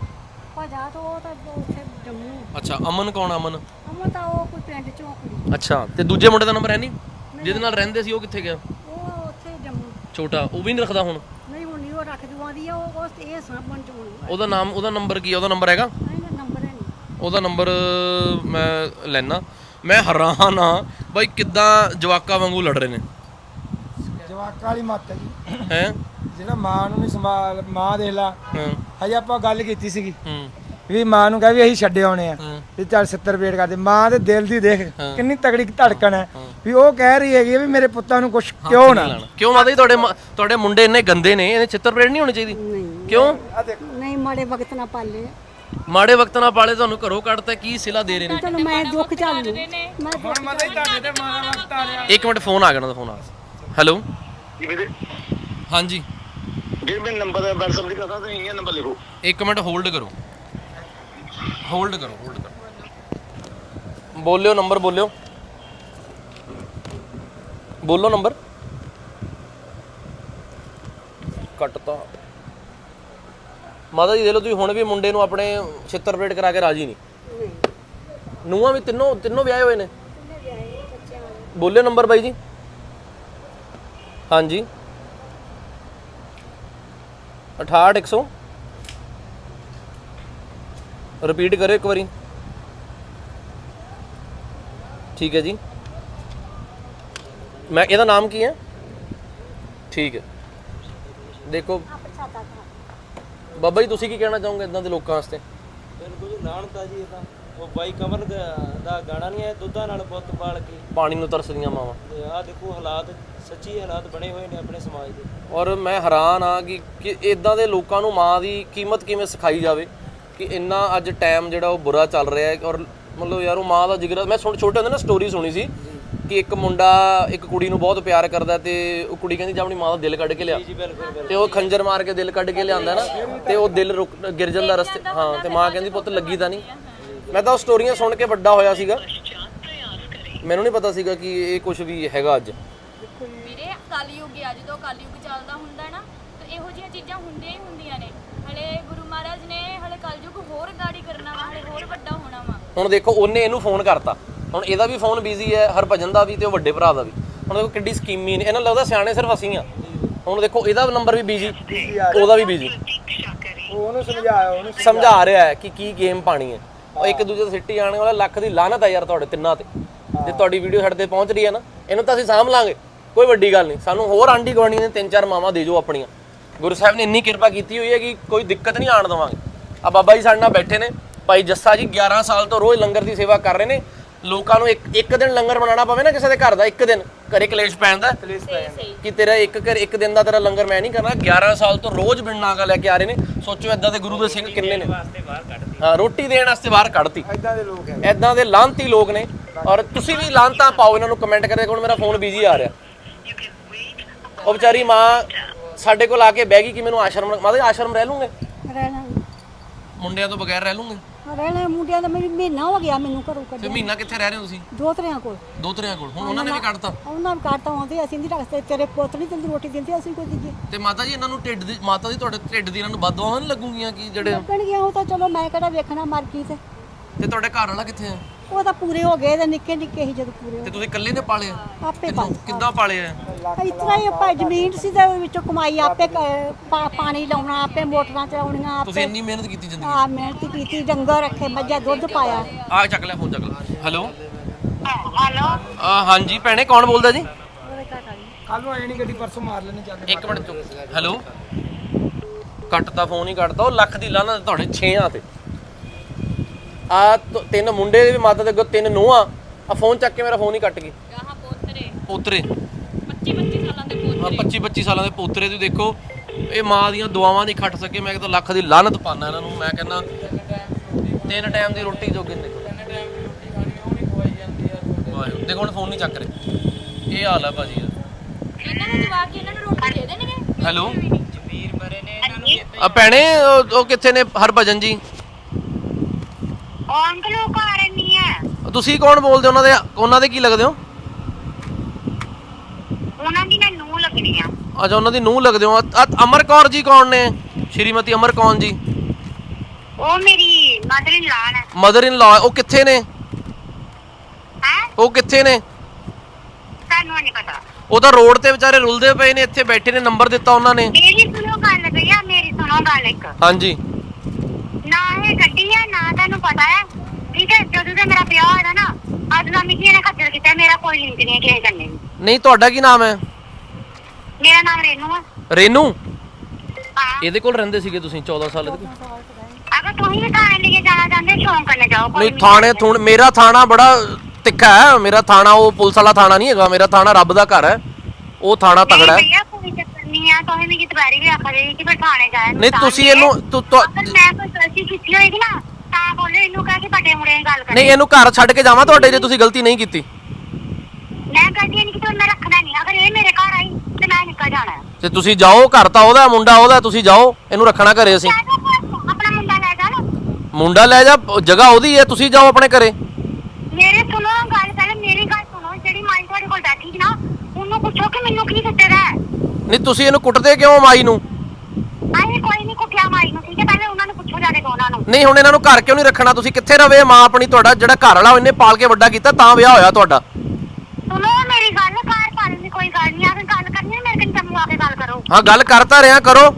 Speaker 3: ਭਾਜਾ ਤੋਂ ਉਹ ਤਾਂ ਉੱਥੇ ਜੰਮੂ।
Speaker 1: ਅੱਛਾ, ਅਮਨ ਕੌਣ? ਅਮਨ
Speaker 3: ਅਮਨ ਤਾਂ ਉਹ ਕੋਈ ਪਿੰਡ ਚੋਂ ਕੁੜੀ।
Speaker 1: ਅੱਛਾ, ਤੇ ਦੂਜੇ ਮੁੰਡੇ ਦਾ ਨੰਬਰ ਹੈ ਨਹੀਂ? ਜਿਹਦੇ ਨਾਲ ਰਹਿੰਦੇ ਸੀ ਉਹ ਕਿੱਥੇ ਗਿਆ?
Speaker 3: ਉਹ ਉੱਥੇ ਜੰਮੂ।
Speaker 1: ਛੋਟਾ, ਉਹ ਵੀ ਨਹੀਂ ਰੱਖਦਾ ਹੁਣ?
Speaker 3: ਨਹੀਂ ਹੁਣ ਨਹੀਂ ਉਹ ਰੱਖ ਜੂਆਂਦੀ ਆ ਉਹ ਉਸ ਇਹ ਸਾਂਭਣ ਚ ਹੋਣੀ।
Speaker 1: ਉਹਦਾ ਨਾਮ, ਉਹਦਾ ਨੰਬਰ ਕੀ ਹੈ? ਉਹਦਾ ਨੰਬਰ ਹੈਗਾ?
Speaker 3: ਇਹਦਾ ਨੰਬਰ ਹੈ ਨਹੀਂ।
Speaker 1: ਉਹਦਾ ਨੰਬਰ ਮੈਂ ਲੈਣਾ। ਮੈਂ ਹੈਰਾਨ ਆ ਬਾਈ, ਕਿੱਦਾਂ ਜਵਾਕਾਂ ਵਾਂਗੂ ਲੜ ਰਹੇ ਨੇ।
Speaker 5: ਜਵਾਕਾਂ ਵਾਲੀ ਮੱਤ ਹੈ ਜੀ।
Speaker 1: ਹੈ
Speaker 5: ਜਿਹੜਾ ਮਾਂ ਨੂੰ ਨਹੀਂ ਸੰਭਾਲ, ਮਾਂ ਦੇਖ ਲਾ।
Speaker 1: ਹਾਂ
Speaker 5: ਹਜੇ ਆਪਾਂ ਗੱਲ ਕੀਤੀ ਸੀਗੀ
Speaker 1: ਹੂੰ
Speaker 5: ਵੀ ਮਾਂ ਨੂੰ ਕਹਿ ਵੀ ਅਸੀਂ ਛੱਡੇ ਆਉਣੇ ਆ
Speaker 1: ਹਾਂ
Speaker 5: ਵੀ ਚੱਲ ਸੱਤਰ ਵੇਟ ਕਰਦੇ। ਮਾਂ ਦੇ ਦਿਲ ਦੀ ਦੇਖ
Speaker 1: ਹਾਂ।
Speaker 5: ਕਿੰਨੀ ਤਗੜੀ ਧੜਕਣ ਹੈ ਵੀ ਉਹ ਕਹਿ ਰਹੀ ਹੈਗੀ ਆ ਵੀ ਮੇਰੇ ਪੁੱਤਾਂ ਨੂੰ ਕੁਝ ਕਿਉਂ ਨਾ।
Speaker 1: ਲਾਣਾ ਕਿਉਂ ਮਾਤਾ ਜੀ? ਤੁਹਾਡੇ ਮ- ਤੁਹਾਡੇ ਮੁੰਡੇ ਇੰਨੇ ਗੰਦੇ ਨੇ, ਇਹਨੇ ਚਿੱਤਰ ਪਰੇਡ ਨਹੀਂ ਹੋਣੀ ਚਾਹੀਦੀ?
Speaker 3: ਨਹੀਂ
Speaker 1: ਕਿਉਂ?
Speaker 3: ਨਹੀਂ ਮਾੜੇ ਵਕਤ ਨਾ ਪਾਲੇ।
Speaker 1: ਮਾੜੇ ਵਕਤ ਨਾਲ ਪਾਲੇ, ਤੁਹਾਨੂੰ ਘਰੋਂ ਕੱਢਤਾ, ਕੀ ਸਿਲਾ ਦੇ ਰਹੇ ਨੇ?
Speaker 3: ਚਲੋ ਮੈਂ ਦੁੱਖ ਝੱਲ ਲੂ। ਮੈਂ
Speaker 5: ਹੁਣ ਮਤਾ ਹੀ ਤੁਹਾਡੇ ਤੇ ਮਾਂ ਦਾ ਵਕਤ ਆ ਰਿਹਾ।
Speaker 1: ਇੱਕ ਮਿੰਟ, ਫੋਨ ਆ ਗਿਆ ਨਾ, ਦਾ ਫੋਨ ਆ ਗਿਆ। ਹੈਲੋ,
Speaker 4: ਜੀ ਵੀਰੇ,
Speaker 1: ਹਾਂਜੀ
Speaker 4: ਵੀਰ ਮੈਂ ਨੰਬਰ WhatsApp ਦੀ ਕਰਦਾ ਤੇ ਇਹ ਨੰਬਰ ਲਿਖੋ।
Speaker 1: ਇੱਕ ਮਿੰਟ ਹੋਲਡ ਕਰੋ ਹੋਲਡ ਕਰੋ ਹੋਲਡ ਕਰੋ ਬੋਲਿਓ ਨੰਬਰ ਬੋਲਿਓ ਬੋਲੋ ਨੰਬਰ ਕੱਟਤਾ ਮਾਤਾ ਜੀ ਦੇ ਲੋ ਤੁਸੀਂ ਹੁਣ ਵੀ ਮੁੰਡੇ ਨੂੰ ਆਪਣੇ ਛਿੱਤਰ ਪਰੇਡ ਕਰਾ ਕੇ ਰਾਜੀ ਨਹੀਂ ਨੂੰਹਾਂ ਵੀ ਤਿੰਨੋਂ ਤਿੰਨੋਂ ਵਿਆਹੇ ਹੋਏ ਨੇ ਬੋਲਿਓ ਨੰਬਰ ਬਾਈ ਜੀ ਹਾਂਜੀ ਅਠਾਹਠ ਇੱਕ ਸੌ ਰਿਪੀਟ ਕਰਿਓ ਇੱਕ ਵਾਰੀ ਠੀਕ ਹੈ ਜੀ ਮੈਂ ਇਹਦਾ ਨਾਮ ਕੀ ਹੈ ਠੀਕ ਹੈ ਦੇਖੋ ਬਾਬਾ ਜੀ ਤੁਸੀਂ ਕੀ ਕਹਿਣਾ ਚਾਹੋਗੇ ਇਦਾਂ ਦੇ ਲੋਕਾਂ ਵਾਸਤੇ
Speaker 6: ਬਿਲਕੁਲ ਲਾਹਨਤ ਆ ਜੀ ਇਹ ਤਾਂ ਉਹ ਬਾਈ ਕਮਲ ਦਾ ਗਾਣਾ ਨਹੀਂ ਹੈ ਦੁੱਧਾਂ ਨਾਲ ਪੁੱਤ ਪਾਲ ਕੇ
Speaker 1: ਪਾਣੀ ਨੂੰ ਤਰਸਦੀਆਂ ਮਾਵਾਂ
Speaker 6: ਤੇ ਆਹ ਦੇਖੋ ਹਾਲਾਤ ਸੱਚੀ ਹਾਲਾਤ ਬਣੇ ਹੋਏ ਨੇ ਆਪਣੇ ਸਮਾਜ ਦੇ
Speaker 1: ਔਰ ਮੈਂ ਹੈਰਾਨ ਆ ਕਿ ਕਿ ਇਦਾਂ ਦੇ ਲੋਕਾਂ ਨੂੰ ਮਾਂ ਦੀ ਕੀਮਤ ਕਿਵੇਂ ਸਿਖਾਈ ਜਾਵੇ ਕਿ ਇੰਨਾ ਅੱਜ ਟਾਈਮ ਜਿਹੜਾ ਉਹ ਬੁਰਾ ਚੱਲ ਰਿਹਾ ਹੈ ਔਰ ਮਤਲਬ ਯਾਰ ਉਹ ਮਾਂ ਦਾ ਜਿਗਰ ਮੈਂ ਸੁਣ ਛੋਟੇ ਹੁੰਦੇ ਨਾ ਸਟੋਰੀ ਸੁਣੀ ਸੀ ਕਿ ਇੱਕ ਮੁੰਡਾ ਇੱਕ ਕੁੜੀ ਨੂੰ ਬਹੁਤ ਪਿਆਰ ਕਰਦਾ ਤੇ ਉਹ ਕੁੜੀ ਕਹਿੰਦੀ ਜਾ ਆਪਣੀ ਮਾਂ ਦਾ ਦਿਲ ਕੱਢ ਕੇ ਲਿਆ ਤੇ ਉਹ ਖੰਜਰ ਮਾਰ ਕੇ ਦਿਲ ਕੱਢ ਕੇ ਲਿਆਂਦਾ ਨਾ ਤੇ ਉਹ ਦਿਲ ਰੁਕ ਗਿਰ ਜਾਂਦਾ ਰਸਤੇ ਹਾਂ ਤੇ ਮਾਂ ਕਹਿੰਦੀ ਪੁੱਤ ਲੱਗੀ ਤਾਂ ਨਹੀਂ ਮੈਂ ਤਾਂ ਉਹ ਸਟੋਰੀਆਂ ਸੁਣ ਕੇ ਵੱਡਾ ਹੋਇਆ ਸੀਗਾ ਮੈਨੂੰ ਨਹੀਂ ਪਤਾ ਸੀਗਾ ਕਿ ਇਹ ਕੁਝ ਵੀ ਹੈਗਾ ਅੱਜ
Speaker 7: ਵੀਰੇ ਕਲਯੁਗ ਆ ਜਦੋਂ ਕਲਯੁਗ ਚੱਲਦਾ ਹੁੰਦਾ ਨਾ ਤੇ ਇਹੋ ਜਿਹੀਆਂ ਚੀਜ਼ਾਂ ਹੁੰਦੀਆਂ ਹੀ ਹੁੰਦੀਆਂ ਨੇ ਹਲੇ ਗੁਰੂ ਮਹਾਰਾਜ ਨੇ ਹਲੇ ਕਲਯੁਗ ਹੋਰ ਗਾੜੀ ਕਰਨਾ ਵਾ ਹਲੇ ਹੋਰ ਵੱਡਾ ਹੋਣਾ ਵਾ
Speaker 1: ਹੁਣ ਦੇਖੋ ਉਹਨੇ ਇਹਨੂੰ ਫੋਨ ਕਰਤਾ ਹੁਣ ਇਹਦਾ ਵੀ ਫੋਨ ਬਿਜ਼ੀ ਹੈ ਹਰਭਜਨ ਦਾ ਵੀ ਤੇ ਉਹ ਵੱਡੇ ਭਰਾ ਦਾ ਵੀ ਹੁਣ ਦੇਖੋ ਕਿੱਡੀ ਸਕੀਮੀ ਨੇ ਇਹਨਾਂ ਲੱਗਦਾ ਸਿਆਣੇ ਸਿਰਫ ਅਸੀਂ ਆ ਹੁਣ ਦੇਖੋ ਇਹਦਾ ਨੰਬਰ ਵੀ ਬਿਜ਼ੀ ਉਹਦਾ ਵੀ ਬਿਜ਼ੀ
Speaker 5: ਉਹਨੂੰ ਸਮਝਾਇਆ ਉਹਨੂੰ
Speaker 1: ਸਮਝਾ ਰਿਹਾ ਹੈ ਕਿ ਕੀ ਗੇਮ ਪਾਣੀ ਹੈ ਉਹ ਇੱਕ ਦੂਜੇ ਤੇ ਸਿੱਟੀ ਆਣੇ ਵਾਲਾ ਲੱਖ ਦੀ ਲਾਹਨਤ ਹੈ ਯਾਰ ਤੁਹਾਡੇ ਤਿੰਨਾਂ ਤੇ ਜੇ ਤੁਹਾਡੀ ਵੀਡੀਓ ਸਾਡੇ ਤੇ ਪਹੁੰਚ ਰਹੀ ਹੈ ਨਾ ਇਹਨੂੰ ਤਾਂ ਅਸੀਂ ਸਾਂਭ ਲਾਂਗੇ ਕੋਈ ਵੱਡੀ ਗੱਲ ਨਹੀਂ ਸਾਨੂੰ ਹੋਰ ਆਂਢੀ ਗੁਆਂਢੀ ਨੇ ਤਿੰਨ ਚਾਰ ਮਾਵਾਂ ਦੇ ਜੋ ਆਪਣੀਆਂ ਗੁਰੂ ਸਾਹਿਬ ਨੇ ਇੰਨੀ ਕਿਰਪਾ ਕੀਤੀ ਹੋਈ ਹੈ ਕਿ ਕੋਈ ਦਿੱਕਤ ਨਹੀਂ ਆਣ ਦੇਵਾਂਗੇ ਆ ਬਾਬਾ ਜੀ ਸਾਡੇ ਨਾਲ ਬੈਠੇ ਨੇ ਭਾਈ ਜੱਸਾ ਜੀ ਗਿਆਰਾਂ ਸਾਲ ਤੋਂ ਰੋਜ਼ ਲੰਗਰ ਦੀ ਸੇਵਾ ਕਰ ਰਹੇ ਨੇ ਲੋਕਾਂ ਨੂੰ ਇੱਕ ਇੱਕ ਦਿਨ ਲੰਗਰ ਬਣਾਉਣਾ ਪਵੇ ਨਾ ਕਿਸੇ ਦੇ ਘਰ ਦਾ ਇੱਕ ਦਿਨ ਘਰੇ ਕਲੇਸ਼ ਪੈਂਦਾ ਕਿ ਤੇਰਾ ਇੱਕ ਘਰ ਇੱਕ ਦਿਨ ਦਾ ਤੇਰਾ ਲੰਗਰ ਮੈਂ ਨਹੀਂ ਕਰਨਾ ਗਿਆਰਾਂ ਸਾਲ ਤੋਂ ਰੋਜ਼ ਬਿਨ ਨਾਗਾ ਲੈ ਕੇ ਆ ਰਹੇ ਨੇ ਸੋਚੋ ਇਦਾਂ ਦੇ ਗੁਰੂ ਦੇ ਸਿੰਘ ਕਿੰਨੇ ਨੇ ਹਾਂ ਰੋਟੀ ਦੇਣ ਵਾਸਤੇ ਬਾਹਰ ਕੱਢਤੀ
Speaker 5: ਇਦਾਂ ਦੇ ਲੋਕ ਹੈ
Speaker 1: ਇਦਾਂ ਦੇ ਲਾਂਤੀ ਲੋਕ ਨੇ ਔਰ ਤੁਸੀਂ ਵੀ ਲਾਂਤਾਂ ਪਾਓ ਇਹਨਾਂ ਨੂੰ ਕਮੈਂਟ ਕਰਕੇ ਕੋਲ ਮੇਰਾ ਫੋਨ ਬਿਜ਼ੀ ਆ ਰਿਹਾ ਉਹ ਵਿਚਾਰੀ ਮਾਂ ਸਾਡੇ ਕੋਲ ਆ ਕੇ ਬਹਿ ਗਈ ਕਿ ਮੈਨੂੰ ਆਸ਼ਰਮ ਮਾਦੇ ਆਸ਼ਰਮ ਰਹਿ ਲੂੰਗੇ
Speaker 3: ਰਹਿਣਾ
Speaker 1: ਮੁੰਡਿਆਂ ਤੋਂ ਬਗੈਰ ਰਹਿ ਲੂੰਗੇ
Speaker 3: ਰਹਿਣਾ ਮੁੰਡਿਆਂ ਦਾ ਮੈਨੂੰ ਮਹੀਨਾ ਹੋ ਗਿਆ ਮੈਨੂੰ ਘਰੋਂ
Speaker 1: ਫਿਰ
Speaker 3: ਕੱਢਿਆ
Speaker 1: ਮਹੀਨਾ ਕਿੱਥੇ ਰਹਿ ਰਹੇ ਹੋ ਤੁਸੀਂ
Speaker 3: ਦੋ ਤਰਿਆਂ ਕੋਲ
Speaker 1: ਦੋ ਤਰਿਆਂ ਕੋਲ ਹੁਣ ਉਹਨਾਂ ਨੇ ਵੀ ਕੱਢਤਾ
Speaker 3: ਉਹਨਾਂ ਨੂੰ ਕੱਢਤਾ ਆਉਂਦੇ ਅਸੀਂ ਨਹੀਂ ਰੱਖਦੇ ਤੇਰੇ ਪੁੱਤ ਨਹੀਂ ਤੈਨੂੰ ਰੋਟੀ ਦਿੰਦੇ ਅਸੀਂ ਕੋਈ ਦਈਏ
Speaker 1: ਤੇ ਮਾਤਾ ਜੀ ਇਹਨਾਂ ਨੂੰ ਢਿੱਡ ਦੀ ਮਾਤਾ ਜੀ ਤੁਹਾਡੇ ਢਿੱਡ ਦੀ ਇਹਨਾਂ ਨੂੰ ਬਦਦੁਆਵਾਂ ਨਹੀਂ ਲੱਗੂਗੀਆਂ ਕਿ ਜਿਹੜੇ
Speaker 3: ਲੱਗਣਗੀਆਂ ਉਹ ਤਾਂ ਚਲੋ ਮੈਂ ਕਿਹੜਾ ਵੇਖਣਾ ਮਰ ਗਈ ਤੇ
Speaker 1: ਤੇ ਤੁਹਾਡੇ ਘਰ ਵਾਲਾ ਕਿੱਥੇ ਆ
Speaker 3: ਉਹ ਤਾਂ ਪੂਰੇ ਹੋ ਗਏ ਤੇ ਨਿੱਕੇ ਨਿੱਕੇ ਸੀ ਜਦੋਂ ਪੂਰੇ
Speaker 1: ਤੇ ਤੁਸੀਂ ਇਕੱਲੇ ਨੇ ਪਾਲੇ ਆ
Speaker 3: ਆਪੇ
Speaker 1: ਕਿੰਨੂੰ- ਕਿੱਦਾਂ ਪਾਲੇ ਆ
Speaker 3: ਇਤਨਾ ਹੀ ਆਪਾਂ ਜ਼ਮੀਨ ਸੀ ਤੇ ਉਹਦੇ ਵਿੱਚੋਂ ਕਮਾਈ ਆਪੇ ਕ- ਪਾ- ਪਾਣੀ ਲਾਉਣਾ ਆਪੇ ਮੋਟਰਾਂ ਚਲਾਉਣੀਆਂ
Speaker 1: ਤੁਸੀਂ
Speaker 3: ਆਪੇ
Speaker 1: ਇੰਨੀ ਮਿਹਨਤ ਕੀਤੀ ਜ਼ਿੰਦਗੀ
Speaker 3: ਆ ਮਿਹਨਤ ਕੀਤੀ ਡੰਗਰ ਰੱਖੇ ਮੱਝਾਂ ਦੁੱਧ ਪਾਇਆ
Speaker 1: ਆ ਚੱਕ ਲੈ ਫੋਨ ਚੱਕ ਲੈ ਹੈਲੋ
Speaker 2: ਹੈਲੋ
Speaker 1: ਆ ਹਾਂਜੀ ਭੈਣੇ ਕੌਣ ਬੋਲਦਾ ਜੀ
Speaker 5: ਕੱਲ ਨੂੰ ਆਏ ਨਹੀਂ ਗੱਡੀ ਪਰਸੋਂ ਮਾਰ ਲੈਣੀ ਚੱਲ ਕੇ
Speaker 1: ਇੱਕ ਮਿੰਟ ਚੁੱਪ ਹੈਲੋ ਕੱਟਤਾ ਫੋਨ ਹੀ ਕੱਟਤਾ ਉਹ ਲੱਖ ਦੀ ਲਾਹਨਤ ਤੁਹਾਡੇ ਛੇਆਂ ਤੇ ਆ ਤਿੰਨ ਮੁੰਡੇ ਦੇ ਵੀ ਮਾਤਾ ਦੇ ਅੱਗੇ ਤਿੰਨ ਨੂੰਹਾਂ ਆ ਫੋਨ ਚੱਕ ਕੇ ਮੇਰਾ ਫੋਨ ਹੀ ਕੱਟ ਗਈ
Speaker 7: ਗਾਹਾਂ ਪੋਤਰੇ
Speaker 1: ਪੋਤਰੇ
Speaker 7: ਪੱਚੀ ਪੱਚੀ ਸਾਲਾਂ ਦੇ ਪੋਤਰੇ
Speaker 1: ਹਾਂ ਪੱਚੀ ਪੱਚੀ ਸਾਲਾਂ ਦੇ ਪੋਤਰੇ ਤੁਸੀਂ ਦੇਖੋ ਇਹ ਮਾਂ ਦੀਆਂ ਦੁਆਵਾਂ ਨਹੀਂ ਖੱਟ ਸਕੇ ਮੈਂ ਕਹਿੰਦਾ ਲੱਖ ਦੀ ਲਾਹਨਤ ਪਾਣਾ ਇਹਨਾਂ ਨੂੰ ਮੈਂ ਕਹਿੰਦਾ ਤਿੰਨ ਟਾਈਮ ਦੀ ਰੋਟੀ ਜੋਗੇ ਨੇ ਵਾਹਿਗੁਰੂ ਦੇਖੋ ਹੁਣ ਫੋਨ ਨਹੀਂ ਚੱਕ ਰਹੇ ਇਹ ਹਾਲ ਹੈ ਭਾਜੀ
Speaker 7: ਇਹਨਾਂ ਨੂੰ ਜਵਾਬ ਕੇ ਇਹਨਾਂ ਨੂੰ ਰੋਟੀ ਦੇ ਦੇਣਗੇ
Speaker 1: ਹੈਲੋ ਆ ਭੈਣੇ ਉਹ ਉਹ ਕਿੱਥੇ ਨੇ ਹਰਭਜਨ ਜੀ
Speaker 2: ਉਹ ਅੰਕਲ ਉਹ ਘਰ ਨਹੀਂ ਹੈ
Speaker 1: ਤੁਸੀਂ ਕੌਣ ਬੋਲਦੇ ਉਹਨਾਂ ਦੇ ਉਹਨਾਂ ਦੇ ਕੀ ਲੱਗਦੇ ਹੋ
Speaker 2: ਉਹਨਾਂ ਦੀ ਮੈਂ ਨੂੰਹ ਲੱਗਣੀ ਆ
Speaker 1: ਅੱਛਾ ਉਹਨਾਂ ਦੀ ਨੂੰਹ ਲੱਗਦੇ ਹੋ ਆ ਅਮਰ ਕੌਰ ਜੀ ਕੌਣ ਨੇ ਸ਼੍ਰੀਮਤੀ ਅਮਰ ਕੌਰ ਜੀ
Speaker 2: ਉਹ ਮੇਰੀ ਮਦਰ ਇਨ ਲਾ ਹੈ
Speaker 1: ਮਦਰ ਇਨ ਲਾ ਉਹ ਕਿੱਥੇ ਨੇ
Speaker 2: ਹੈ
Speaker 1: ਉਹ ਕਿੱਥੇ ਨੇ
Speaker 2: ਤੁਹਾਨੂੰ ਨਹੀਂ ਪਤਾ
Speaker 1: ਉਹ ਤਾਂ ਰੋਡ ਤੇ ਵਿਚਾਰੇ ਰੁਲਦੇ ਪਏ ਨੇ ਇੱਥੇ ਬੈਠੇ ਨੇ ਨੰਬਰ ਦਿੱਤਾ ਉਹਨਾਂ ਨੇ
Speaker 2: ਮੇਰੀ ਸੁਣੋ ਗੱਲ ਭਈਆ ਮੇਰੀ ਸੁਣੋ ਗੱਲ ਇੱਕ
Speaker 1: ਹਾਂਜੀ
Speaker 2: ਨਾ ਇਹ ਗੱਡੀ ਹੈ ਨਾ ਤੁਹਾਨੂੰ ਪਤਾ ਹੈ ਠੀਕ ਹੈ ਜਦੋਂ ਦਾ ਮੇਰਾ ਵਿਆਹ ਹੋਇਆ ਨਾ ਅੱਜ ਦਾ ਮਿੱਟੀ ਨੇ ਖੱਜਲ ਕੀਤਾ ਮੇਰਾ ਕੋਈ ਲਿੰਕ ਨਹੀਂ ਹੈ ਕਿਸੇ ਕਰਨੇ
Speaker 1: ਨਹੀਂ ਤੁਹਾਡਾ ਕੀ ਨਾਮ ਹੈ
Speaker 2: ਮੇਰਾ ਨਾਮ ਰੇਨੂ ਹੈ
Speaker 1: ਰੇਨੂ
Speaker 2: ਹਾਂ
Speaker 1: ਇਹਦੇ ਕੋਲ ਰਹਿੰਦੇ ਸੀਗੇ ਤੁਸੀਂ ਚੌਦਾਂ ਸਾਲ ਦੇ
Speaker 2: ਅਗਰ ਤੁਸੀਂ ਵੀ ਥਾਣੇ ਲੈ ਕੇ ਜਾਣਾ ਚਾਹੁੰਦੇ ਸ਼ੌਂਕ ਕਰਨੇ ਜਾਓ ਕੋਈ
Speaker 1: ਨਹੀਂ ਥਾਣੇ ਥੁਣ ਮੇਰਾ ਥਾਣਾ ਬੜਾ ਤਿੱਖਾ ਹੈ ਮੇਰਾ ਥਾਣਾ ਉਹ ਪੁਲਿਸ ਵਾਲਾ ਥਾਣਾ ਨਹੀਂ ਹੈਗਾ ਮੇਰਾ ਥਾਣਾ ਰੱਬ ਦਾ ਘਰ ਹੈ ਉਹ ਥਾਣਾ ਤਗੜਾ ਹੈ
Speaker 2: ਭਈਆ ਕੋਈ ਚੱਕਰ ਨਹੀਂ ਆ ਤੁਸੀਂ ਮੇਰੀ ਦੁਬਾਰੀ ਵੀ ਆਖਦੇ ਕਿ ਫਿਰ ਥਾਣੇ ਜਾਇਆ
Speaker 1: ਨਹੀਂ ਤੁਸੀਂ ਇਹਨੂੰ ਤੁ- ਤੁ-
Speaker 2: ਅਗਰ ਮੈਂ ਕੋਈ ਗਲਤੀ ਕੀਤੀ ਹੋਏਗੀ ਨਾ ਤਾਂ ਬੋਲੇ ਇਹਨੂੰ ਕਹਿ ਕੇ ਵੱਡੇ ਮੁੰਡੇ ਨਾਲ ਗੱਲ ਕਰ
Speaker 1: ਨਹੀਂ ਇਹਨੂੰ ਘਰ ਛੱਡ ਕੇ ਜਾਵਾਂ ਤੁਹਾਡੇ ਜੇ ਤੁਸੀਂ ਗਲਤੀ ਨਹੀਂ ਕੀਤੀ
Speaker 2: ਮੈਂ ਗਲਤੀ ਨਹੀਂ ਕੀਤੀ ਮੈਂ ਰੱਖਣਾ ਨਹੀਂ ਅਗਰ ਇਹ ਮੇਰੇ ਘਰ ਆਈ ਤੇ ਮੈਂ ਨਿਕਲ ਜਾਣਾ
Speaker 1: ਤੇ ਤੁਸੀਂ ਜਾਓ, ਘਰ ਤਾਂ ਉਹਦਾ, ਮੁੰਡਾ ਉਹਦਾ, ਤੁਸੀਂ ਜਾਓ, ਇਹਨੂੰ ਰੱਖਣਾ ਘਰੇ ਅਸੀਂ।
Speaker 2: ਲੈ ਜਾ ਫਿਰ, ਆਪਣਾ ਮੁੰਡਾ ਲੈ ਜਾ ਨਾ।
Speaker 1: ਮੁੰਡਾ ਲੈ ਜਾ, ਜਗ੍ਹਾ ਉਹਦੀ ਹੈ, ਤੁਸੀਂ ਜਾਓ ਆਪਣੇ ਘਰੇ।
Speaker 2: ਮੇਰੇ ਸੁਣੋ ਗੱਲ, ਪਹਿਲੇ ਮੇਰੀ ਗੱਲ ਸੁਣੋ। ਜਿਹੜੀ ਮਾਈ ਤੁਹਾਡੇ ਕੋਲ ਬੈਠੀ ਸੀ ਨਾ, ਉਹਨੂੰ ਪੁੱਛੋ ਕਿ ਮੈਨੂੰ ਕੀ ਕੁੱਟੇਦਾ ਹੈ।
Speaker 1: ਨਹੀਂ ਤੁਸੀਂ ਇਹਨੂੰ ਕੁੱਟਦੇ ਕਿਉਂ ਮਾਈ ਨੂੰ?
Speaker 2: ਆਏ ਕੋਈ ਨਹੀਂ ਕੁੱਟਿਆ ਮਾਈ ਨੂੰ, ਠੀਕ ਹੈ? ਪਹਿਲੇ ਉਹਨਾਂ ਨੂੰ ਪੁੱਛੋ ਜਾ ਕੇ ਉਹਨਾਂ ਨੂੰ।
Speaker 1: ਨਹੀਂ ਹੁਣ ਇਹਨਾਂ ਨੂੰ ਘਰ ਕਿਉਂ ਨਹੀਂ ਰੱਖਣਾ? ਤੁਸੀਂ ਕਿੱਥੇ ਰਵੇ ਮਾਂ ਆਪਣੀ? ਤੁਹਾਡਾ ਜਿਹੜਾ ਘਰ ਵਾਲਾ ਉਹਨੇ ਪਾਲ ਕੇ ਵੱਡਾ ਕੀਤਾ ਤਾਂ ਵਿਆਹ ਹੋਇਆ ਤੁਹਾਡਾ।
Speaker 2: ਸੁਣੋ ਮੇਰੀ ਗੱਲ, ਘਰ ਪਾਲਣ ਦੀ ਕੋਈ ਗੱਲ ਨਹੀਂ। ਅਗਰ ਗੱਲ ਕਰਨੀ ਹੈ ਮੇਰੇ ਕੋਲ ਜੰਮੂ ਆ ਕੇ ਗੱਲ ਕਰੋ।
Speaker 1: ਹਾਂ ਗੱਲ ਕਰਤਾ ਰਿਹਾ ਕਰੋ।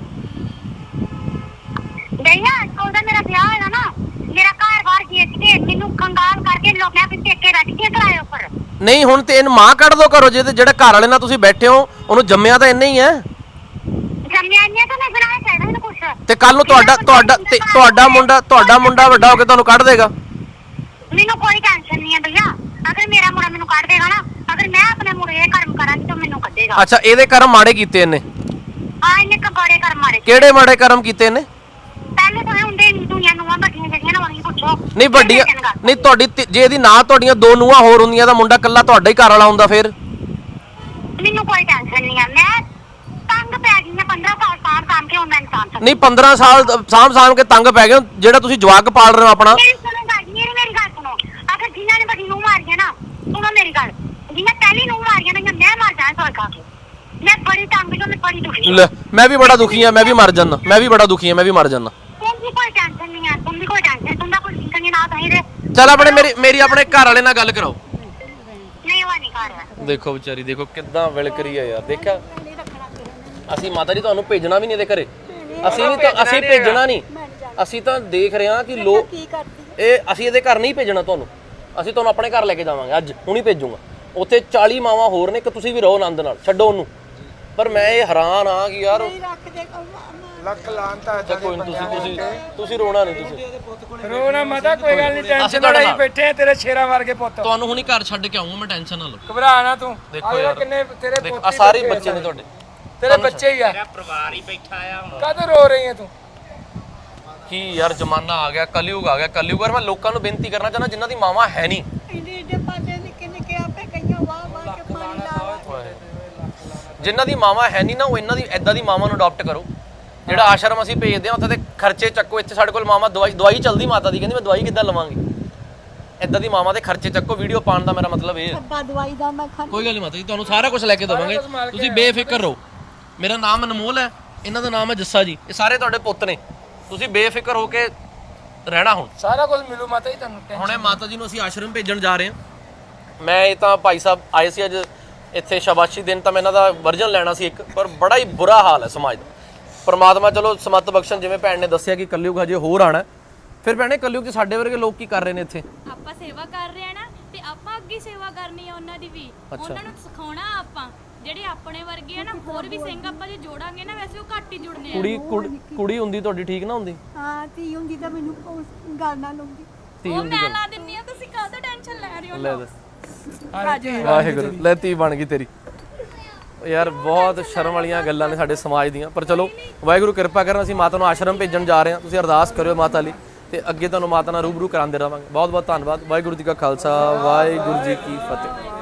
Speaker 2: ਭਈਆ ਉਹਦਾ ਮੇਰਾ ਵਿਆਹ ਹੋਇਆ ਨਾ, ਮੇਰਾ ਘਰ ਬਾਹਰ ਵੇਚ ਕੇ ਮੈਨੂੰ ਕੰਗਾਲ ਕਰਕੇ ਲੋਕ ਮੈਂ ਪਿੱਛੇ ਕੇ ਰੱਖ ਕੇ ਕਿਰਾਏ ਉੱਪਰ।
Speaker 1: ਨਹੀਂ ਹੁਣ ਤੇ ਇਹਨੂੰ ਮਾਂ ਕੱਢ ਦੋ ਘਰੋਂ। ਜੇ ਤੇ ਜਿਹੜਾ ਘਰ ਵਾਲੇ ਨਾਲ ਤੁਸੀਂ ਬੈਠੇ ਹੋ ਉਹਨੂੰ ਜੰਮਿਆ ਤਾਂ ਇੰਨੇ ਹੀ ਹੈ।
Speaker 2: ਜੰਮਿਆ ਨਹੀਂ ਤਾਂ ਮੈਂ ਬਣਾਇਆ ਚਾਹੀਦਾ ਇਹਨੂੰ ਕੁਛ।
Speaker 1: ਤੇ ਕੱਲ ਨੂੰ ਤੁਹਾਡਾ ਤੁਹਾਡਾ ਤੇ ਤੁਹਾਡਾ ਮੁੰਡਾ ਤੁਹਾਡਾ ਮੁੰਡਾ ਵੱਡਾ ਹੋ ਕੇ ਤੁਹਾਨੂੰ ਕੱਢ ਦੇਗਾ।
Speaker 2: ਮੈਨੂੰ ਕੋਈ ਟੈਨਸ਼ਨ ਨਹੀਂ ਹੈ ਭਈਆ। ਅਗਰ ਮੇਰਾ ਮੁੰਡਾ ਮੈਨੂੰ ਕੱਢ ਦੇਗਾ ਨਾ, ਅਗਰ ਮੈਂ ਆਪਣੇ ਮੁੰਡੇ ਦੇ ਕਰਮ ਕਰਾਂਗੀ ਤਾਂ ਮੈਨੂੰ ਕੱਢੇਗਾ।
Speaker 1: ਅੱਛਾ ਇਹਦੇ ਕਰਮ ਮਾੜੇ ਕੀਤੇ ਇਹਨੇ?
Speaker 2: ਹਾਂ ਇਹਨੇ ਕਬਾੜੇ ਕਰਮ ਮਾਰੇ।
Speaker 1: ਕਿਹੜੇ ਮਾੜੇ ਕਰਮ ਕੀਤੇ ਇਹਨੇ?
Speaker 2: ਪਹਿਲੇ ਤਾਂ ਹੁੰਦੇ ਦੁਨੀਆ ਨੂੰ ਵੱਡੀਆਂ ਜਿਹੜੀਆਂ ਨਾ ਉਹਨੂੰ ਪੁੱਛੋ।
Speaker 1: ਨਹੀਂ ਵੱਡੀਆਂ ਨਹੀਂ, ਤੁਹਾਡੀ ਤੀ- ਜੇ ਇਹਦੀ ਨਾ ਤੁਹਾਡੀਆਂ ਦੋ ਨੂੰਹਾਂ ਹੋਰ ਹੁੰਦੀਆਂ ਤਾਂ ਮੁੰਡਾ ਕੱਲਾ ਤੁਹਾਡਾ ਹੀ ਘਰ ਵਾਲਾ ਹੁੰਦਾ ਫਿਰ।
Speaker 2: ਮੈਨੂੰ ਕੋਈ ਟੈਨਸ਼ਨ ਨਹੀਂ ਹੈ। ਮੈਂ ਤੰਗ ਪੈ ਗਈ ਹਾਂ ਪੰਦਰਾਂ ਸਾਲ ਸਾਲ ਕੰਮ ਕੇ ਹੁਣ ਮੈਂ ਇਨਸਾਨ ਸਮਝ।
Speaker 1: ਨਹੀਂ ਪੰਦਰਾਂ ਸਾਲ ਸਾਂਭ ਸਾਂਭ ਕੇ ਤੰਗ ਪੈ ਗਏ ਹੋ। ਜਿਹੜਾ ਤੁਸੀਂ ਜਵਾਕ ਪਾਲ ਰਹੇ ਹੋ ਆਪਣਾ।
Speaker 2: ਮੇਰੀ ਸੁਣੋ ਗੱਲ, ਮੇਰੀ ਮੇਰੀ ਗੱਲ ਸੁਣੋ। ਅਗਰ ਜਿਨ੍ਹਾਂ ਨੇ ਵੱਡੀ ਨੂੰ ਮਾਰੀਆਂ ਨਾ, ਸੁਣੋ ਮੇਰੀ ਗੱਲ, ਜਿਨ੍ਹਾਂ ਪਹਿਲੀ ਨੂੰ ਮਾਰੀਆਂ ਨਾ, ਮੈਂ ਮਰ ਜਾਣਾ ਸੋਚ ਖਾ ਕੇ। ਮੈਂ ਬੜੀ ਤੰਗ ਜੋ, ਮੈਂ ਬੜੀ ਦੁਖੀ
Speaker 1: ਲੈ ਮੈਂ ਵੀ ਬੜਾ ਦੁਖੀ ਆ, ਮੈਂ ਵੀ ਮਰ ਜਾਣਾ, ਮੈਂ ਵੀ ਬੜਾ ਦੁਖੀ ਆ, ਮੈਂ ਵੀ ਮਰ ਜਾਣਾ।
Speaker 2: तुमकी कोई टेंशन नहीं है, तुमकी कोई टेंशन, तुमदा कोई टेंशन नहीं ना कहीं रे।
Speaker 1: ਚੱਲ ਆਪਣੇ ਮੇਰੀ ਮੇਰੀ ਆਪਣੇ ਘਰ ਵਾਲੇ ਨਾਲ ਗੱਲ ਕਰਾਓ।
Speaker 2: नहीं हुआ नहीं कर रहा।
Speaker 1: ਦੇਖੋ ਵਿਚਾਰੀ, ਦੇਖੋ ਕਿੱਦਾਂ ਵਿਲਕ ਰਹੀ ਹੈ ਯਾਰ। ਦੇਖਿਆ ਅਸੀਂ ਮਾਤਾ ਜੀ ਤੁਹਾਨੂੰ ਭੇਜਣਾ ਵੀ ਨਹੀਂ ਇਹਦੇ ਘਰੇ। ਅਸੀਂ ਵੀ ਤਾਂ ਅਸੀਂ ਭੇਜਣਾ ਨਹੀਂ। ਅਸੀਂ ਤਾਂ ਦੇਖ ਰਹੇ ਹਾਂ ਕਿ ਲੋਕ
Speaker 3: ਕੀ ਕਰਦੀ
Speaker 1: ਇਹ ਅਸੀਂ ਇਹਦੇ ਘਰ ਨਹੀਂ ਭੇਜਣਾ ਤੁਹਾਨੂੰ। ਅਸੀਂ ਤੁਹਾਨੂੰ ਆਪਣੇ ਘਰ ਲੈ ਕੇ ਜਾਵਾਂਗੇ, ਅੱਜ ਹੁਣੀ ਭੇਜੂਗਾ। ਉੱਥੇ ਚਾਲੀ ਮਾਵਾਂ ਹੋਰ ਨੇ ਕਿ ਤੁਸੀਂ ਵੀ ਰਹੋ ਆਨੰਦ ਨਾਲ, ਛੱਡੋ ਉਹਨੂੰ। ਪਰ ਮੈਂ ਇਹ ਹੈਰਾਨ ਆ ਕਿ ਯਾਰ
Speaker 3: ਰੱਖਦੇ
Speaker 5: ਲੱਖ ਲਾਂਤਾ
Speaker 1: ਅੱਛਾ ਕੋਈ ਨਹੀਂ, ਤੁਸੀਂ ਤੁਸੀਂ ਤੁਸੀਂ ਰੋਣਾ ਨਹੀਂ। ਤੁਸੀਂ
Speaker 5: ਰੋਣਾ ਮਾਤਾ ਕੋਈ ਗੱਲ ਨਹੀਂ, ਟੈਨਸ਼ਨ
Speaker 1: ਤੁਹਾਡੇ
Speaker 5: ਨਾਲ
Speaker 1: ਨਾਲ।
Speaker 5: ਬੈਠੇ ਆ ਤੇਰੇ ਸ਼ੇਰਾਂ ਵਰਗੇ ਪੁੱਤ।
Speaker 1: ਤੁਹਾਨੂੰ ਹੁਣੀ ਘਰ ਛੱਡ ਕੇ ਆਉਂਗਾ ਮੈਂ, ਟੈਨਸ਼ਨ ਨਾ ਲਓ।
Speaker 5: ਘਬਰਾ ਨਾ ਤੂੰ।
Speaker 1: ਦੇਖੋ
Speaker 5: ਆਹ
Speaker 1: ਯਾਰ,
Speaker 5: ਕਿੰਨੇ ਤੇਰੇ
Speaker 1: ਦੇਖੋ ਆ
Speaker 5: ਪੋਤੇ
Speaker 1: ਸਾਰੇ
Speaker 5: ਬੈਠੇ
Speaker 1: ਬੱਚੇ ਨੇ ਤੁਹਾਡੇ।
Speaker 5: ਤੇਰੇ ਬੱਚੇ ਹੀ ਆ। ਮੇਰਾ ਪਰਿਵਾਰ ਹੀ ਬੈਠਾ ਆ। ਕਦੋਂ ਰੋ ਰਹੀ ਹੈ ਤੂੰ?
Speaker 1: ਕੀ ਯਾਰ ਜ਼ਮਾਨਾ ਆ ਗਿਆ, ਕਲਯੁਗ ਆ ਗਿਆ, ਕਲਯੁਗ। ਪਰ ਮੈਂ ਲੋਕਾਂ ਨੂੰ ਬੇਨਤੀ ਕਰਨਾ ਚਾਹੁੰਦਾ ਜਿਨ੍ਹਾਂ ਦੀ ਮਾਵਾਂ ਹੈ ਨਹੀਂ।
Speaker 3: ਇੰਨੇ ਇੰਨੇ ਪਾਸੇ ਨਿੱਕੇ ਨਿੱਕੇ ਆਪੇ ਕਈਆਂ ਵਾਹ ਵਾਹ ਕੇ ਪਾਣੀ ਲਾ
Speaker 1: ਜਿਨ੍ਹਾਂ ਦੀ ਮਾਵਾਂ ਹੈ ਨਹੀਂ ਨਾ, ਉਹ ਇਹਨਾਂ ਦੀ ਐਦਾਂ ਦੀ ਮਾਵਾਂ ਨੂੰ ਅਡਾਪਟ ਕਰੋ। ਜਿਹੜਾ ਆਸ਼ਰਮ ਅਸੀਂ ਭੇਜਦੇ ਆ ਉੱਥੇ ਤੇ ਖਰਚੇ ਚੱਕੋ। ਇੱਥੇ ਸਾਡੇ ਕੋਲ ਮਾਵਾਂ ਦਵਾਈ ਦਵਾਈ ਚੱਲਦੀ ਮਾਤਾ ਦੀ, ਕਹਿੰਦੀ ਮੈਂ ਦਵਾਈ ਕਿੱਦਾਂ ਲਵਾਂਗੀ। ਐਦਾਂ ਦੀ ਮਾਵਾਂ ਦੇ ਖਰਚੇ ਚੱਕੋ। ਵੀਡੀਓ ਪਾਉਣ ਦਾ ਮੇਰਾ ਮਤਲਬ ਇਹ ਹੈ।
Speaker 3: ਅੱਬਾ ਦਵਾਈ ਦਾ ਮੈਂ ਖਾਂ
Speaker 1: ਕੋਈ ਗੱਲ ਨਹੀਂ ਮਾਤਾ ਜੀ, ਤੁਹਾਨੂੰ ਸਾਰਾ ਕੁਝ ਲੈ ਕੇ ਦੇਵਾਂਗੇ, ਤੁਸੀਂ ਬੇਫਿਕਰ ਰਹੋ। ਮੇਰਾ ਨਾਮ ਅਨਮੋਲ ਹੈ, ਇਹਨਾਂ ਦਾ ਨਾਮ ਹੈ ਜੱਸਾ ਜੀ। ਇਹ ਸਾਰੇ ਤੁਹਾਡੇ ਪੁੱਤ ਨੇ, ਤੁਸੀਂ ਬੇਫਿਕਰ ਹੋ ਕੇ ਰਹਿਣਾ। ਹੁਣ
Speaker 5: ਸਾਰਾ ਕੁਝ ਮਿਲੂ ਮਾਤਾ ਜੀ ਤੁਹਾਨੂੰ।
Speaker 1: ਹੁਣੇ ਮਾਤਾ ਜੀ ਨੂੰ ਅਸੀਂ ਆਸ਼ਰਮ ਭੇਜਣ ਜਾ ਰਹੇ ਹਾਂ। ਮੈਂ ਇਹ ਤਾਂ ਭਾਈ ਸਾਹਿਬ ਆਏ ਸੀ ਅੱਜ ਇੱਥੇ ਸ਼ਾਬਾਸ਼ੀ ਦਿਨ, ਤਾਂ ਮੈਂ ਇਹਨਾਂ ਦਾ ਵਰਜਨ ਲੈਣਾ ਸੀ ਇੱਕ, ਪਰ ਬੜਾ ਹੀ ਬੁਰਾ ਹਾਲ ਹੈ ਸਮਾਜ ਦਾ। ਪਰਮਾਤਮਾ ਚਲੋ ਸਮੱਤ ਬਖਸ਼ਣ। ਜਿਵੇਂ ਭੈਣ ਨੇ ਦੱਸਿਆ ਕਿ ਕਲਯੁਗ ਹਜੇ ਹੋਰ ਆਣਾ। ਫਿਰ ਭੈਣੇ ਕਲਯੁਗ 'ਚ ਸਾਡੇ ਵਰਗੇ ਲੋਕ ਕੀ ਕਰ ਰਹੇ ਨੇ ਇੱਥੇ?
Speaker 7: ਆਪਾਂ ਸੇਵਾ ਕਰ ਰਹੇ ਆ ਨਾ, ਤੇ ਆਪਾਂ ਅੱਗੇ ਸੇਵਾ ਕਰਨੀ ਆ ਉਹਨਾਂ ਦੀ ਵੀ। ਉਹਨਾਂ ਨੂੰ ਸਿਖਾਉਣਾ ਆਪਾਂ, ਜਿਹੜੇ ਆਪਣੇ ਵਰਗੇ ਆ ਨਾ, ਹੋਰ ਵੀ ਸਿੰਘ ਆਪਾਂ ਜੇ ਜੋੜਾਂਗੇ ਨਾ, ਵੈਸੇ ਉਹ ਘੱਟ ਹੀ ਜੁੜਨੇ ਆ।
Speaker 1: ਕੁੜੀ ਕੁੜ- ਕੁੜੀ ਹੁੰਦੀ ਤੁਹਾਡੀ ਠੀਕ ਨਾ ਹੁੰਦੀ?
Speaker 3: ਹਾਂ ਧੀ ਹੁੰਦੀ ਤਾਂ ਮੈਨੂੰ ਉਸ ਗੱਲ ਨਾਲ ਲਾਉਂਦੀ।
Speaker 1: ਧੀ
Speaker 7: ਉਹ
Speaker 1: ਹੁੰਦੀ
Speaker 7: ਮੈਂ ਲਾ ਦਿੰਨੀ ਆ, ਤੁਸੀਂ ਕਾਹਦਾ ਟੈਨਸ਼ਨ ਲੈ ਰਹੇ ਹੋ?
Speaker 1: ਲੈ ਦੱਸ। ਵਾਹਿਗੁਰੂ, ਲੈ ਧੀ ਬਣ ਗਈ ਤੇਰੀ। ਯਾਰ ਬਹੁਤ ਸ਼ਰਮ ਵਾਲੀਆਂ ਗੱਲਾਂ ਨੇ ਸਾਡੇ ਸਮਾਜ ਦੀਆਂ, ਪਰ ਚਲੋ ਵਾਹਿਗੁਰੂ ਕਿਰਪਾ ਕਰਨ। ਅਸੀਂ ਮਾਤਾ ਨੂੰ ਆਸ਼ਰਮ ਭੇਜਣ ਜਾ ਰਹੇ ਹਾਂ, ਤੁਸੀਂ ਅਰਦਾਸ ਕਰਿਓ ਮਾਤਾ ਲਈ, ਤੇ ਅੱਗੇ ਤੁਹਾਨੂੰ ਮਾਤਾ ਨਾਲ ਰੂਬਰੂ ਕਰਾਉਂਦੇ ਰਹਾਂਗੇ। ਬਹੁਤ ਬਹੁਤ ਧੰਨਵਾਦ। ਵਾਹਿਗੁਰੂ ਜੀ ਕਾ ਖਾਲਸਾ, ਵਾਹਿਗੁਰੂ ਜੀ ਕੀ ਫਤਿਹ।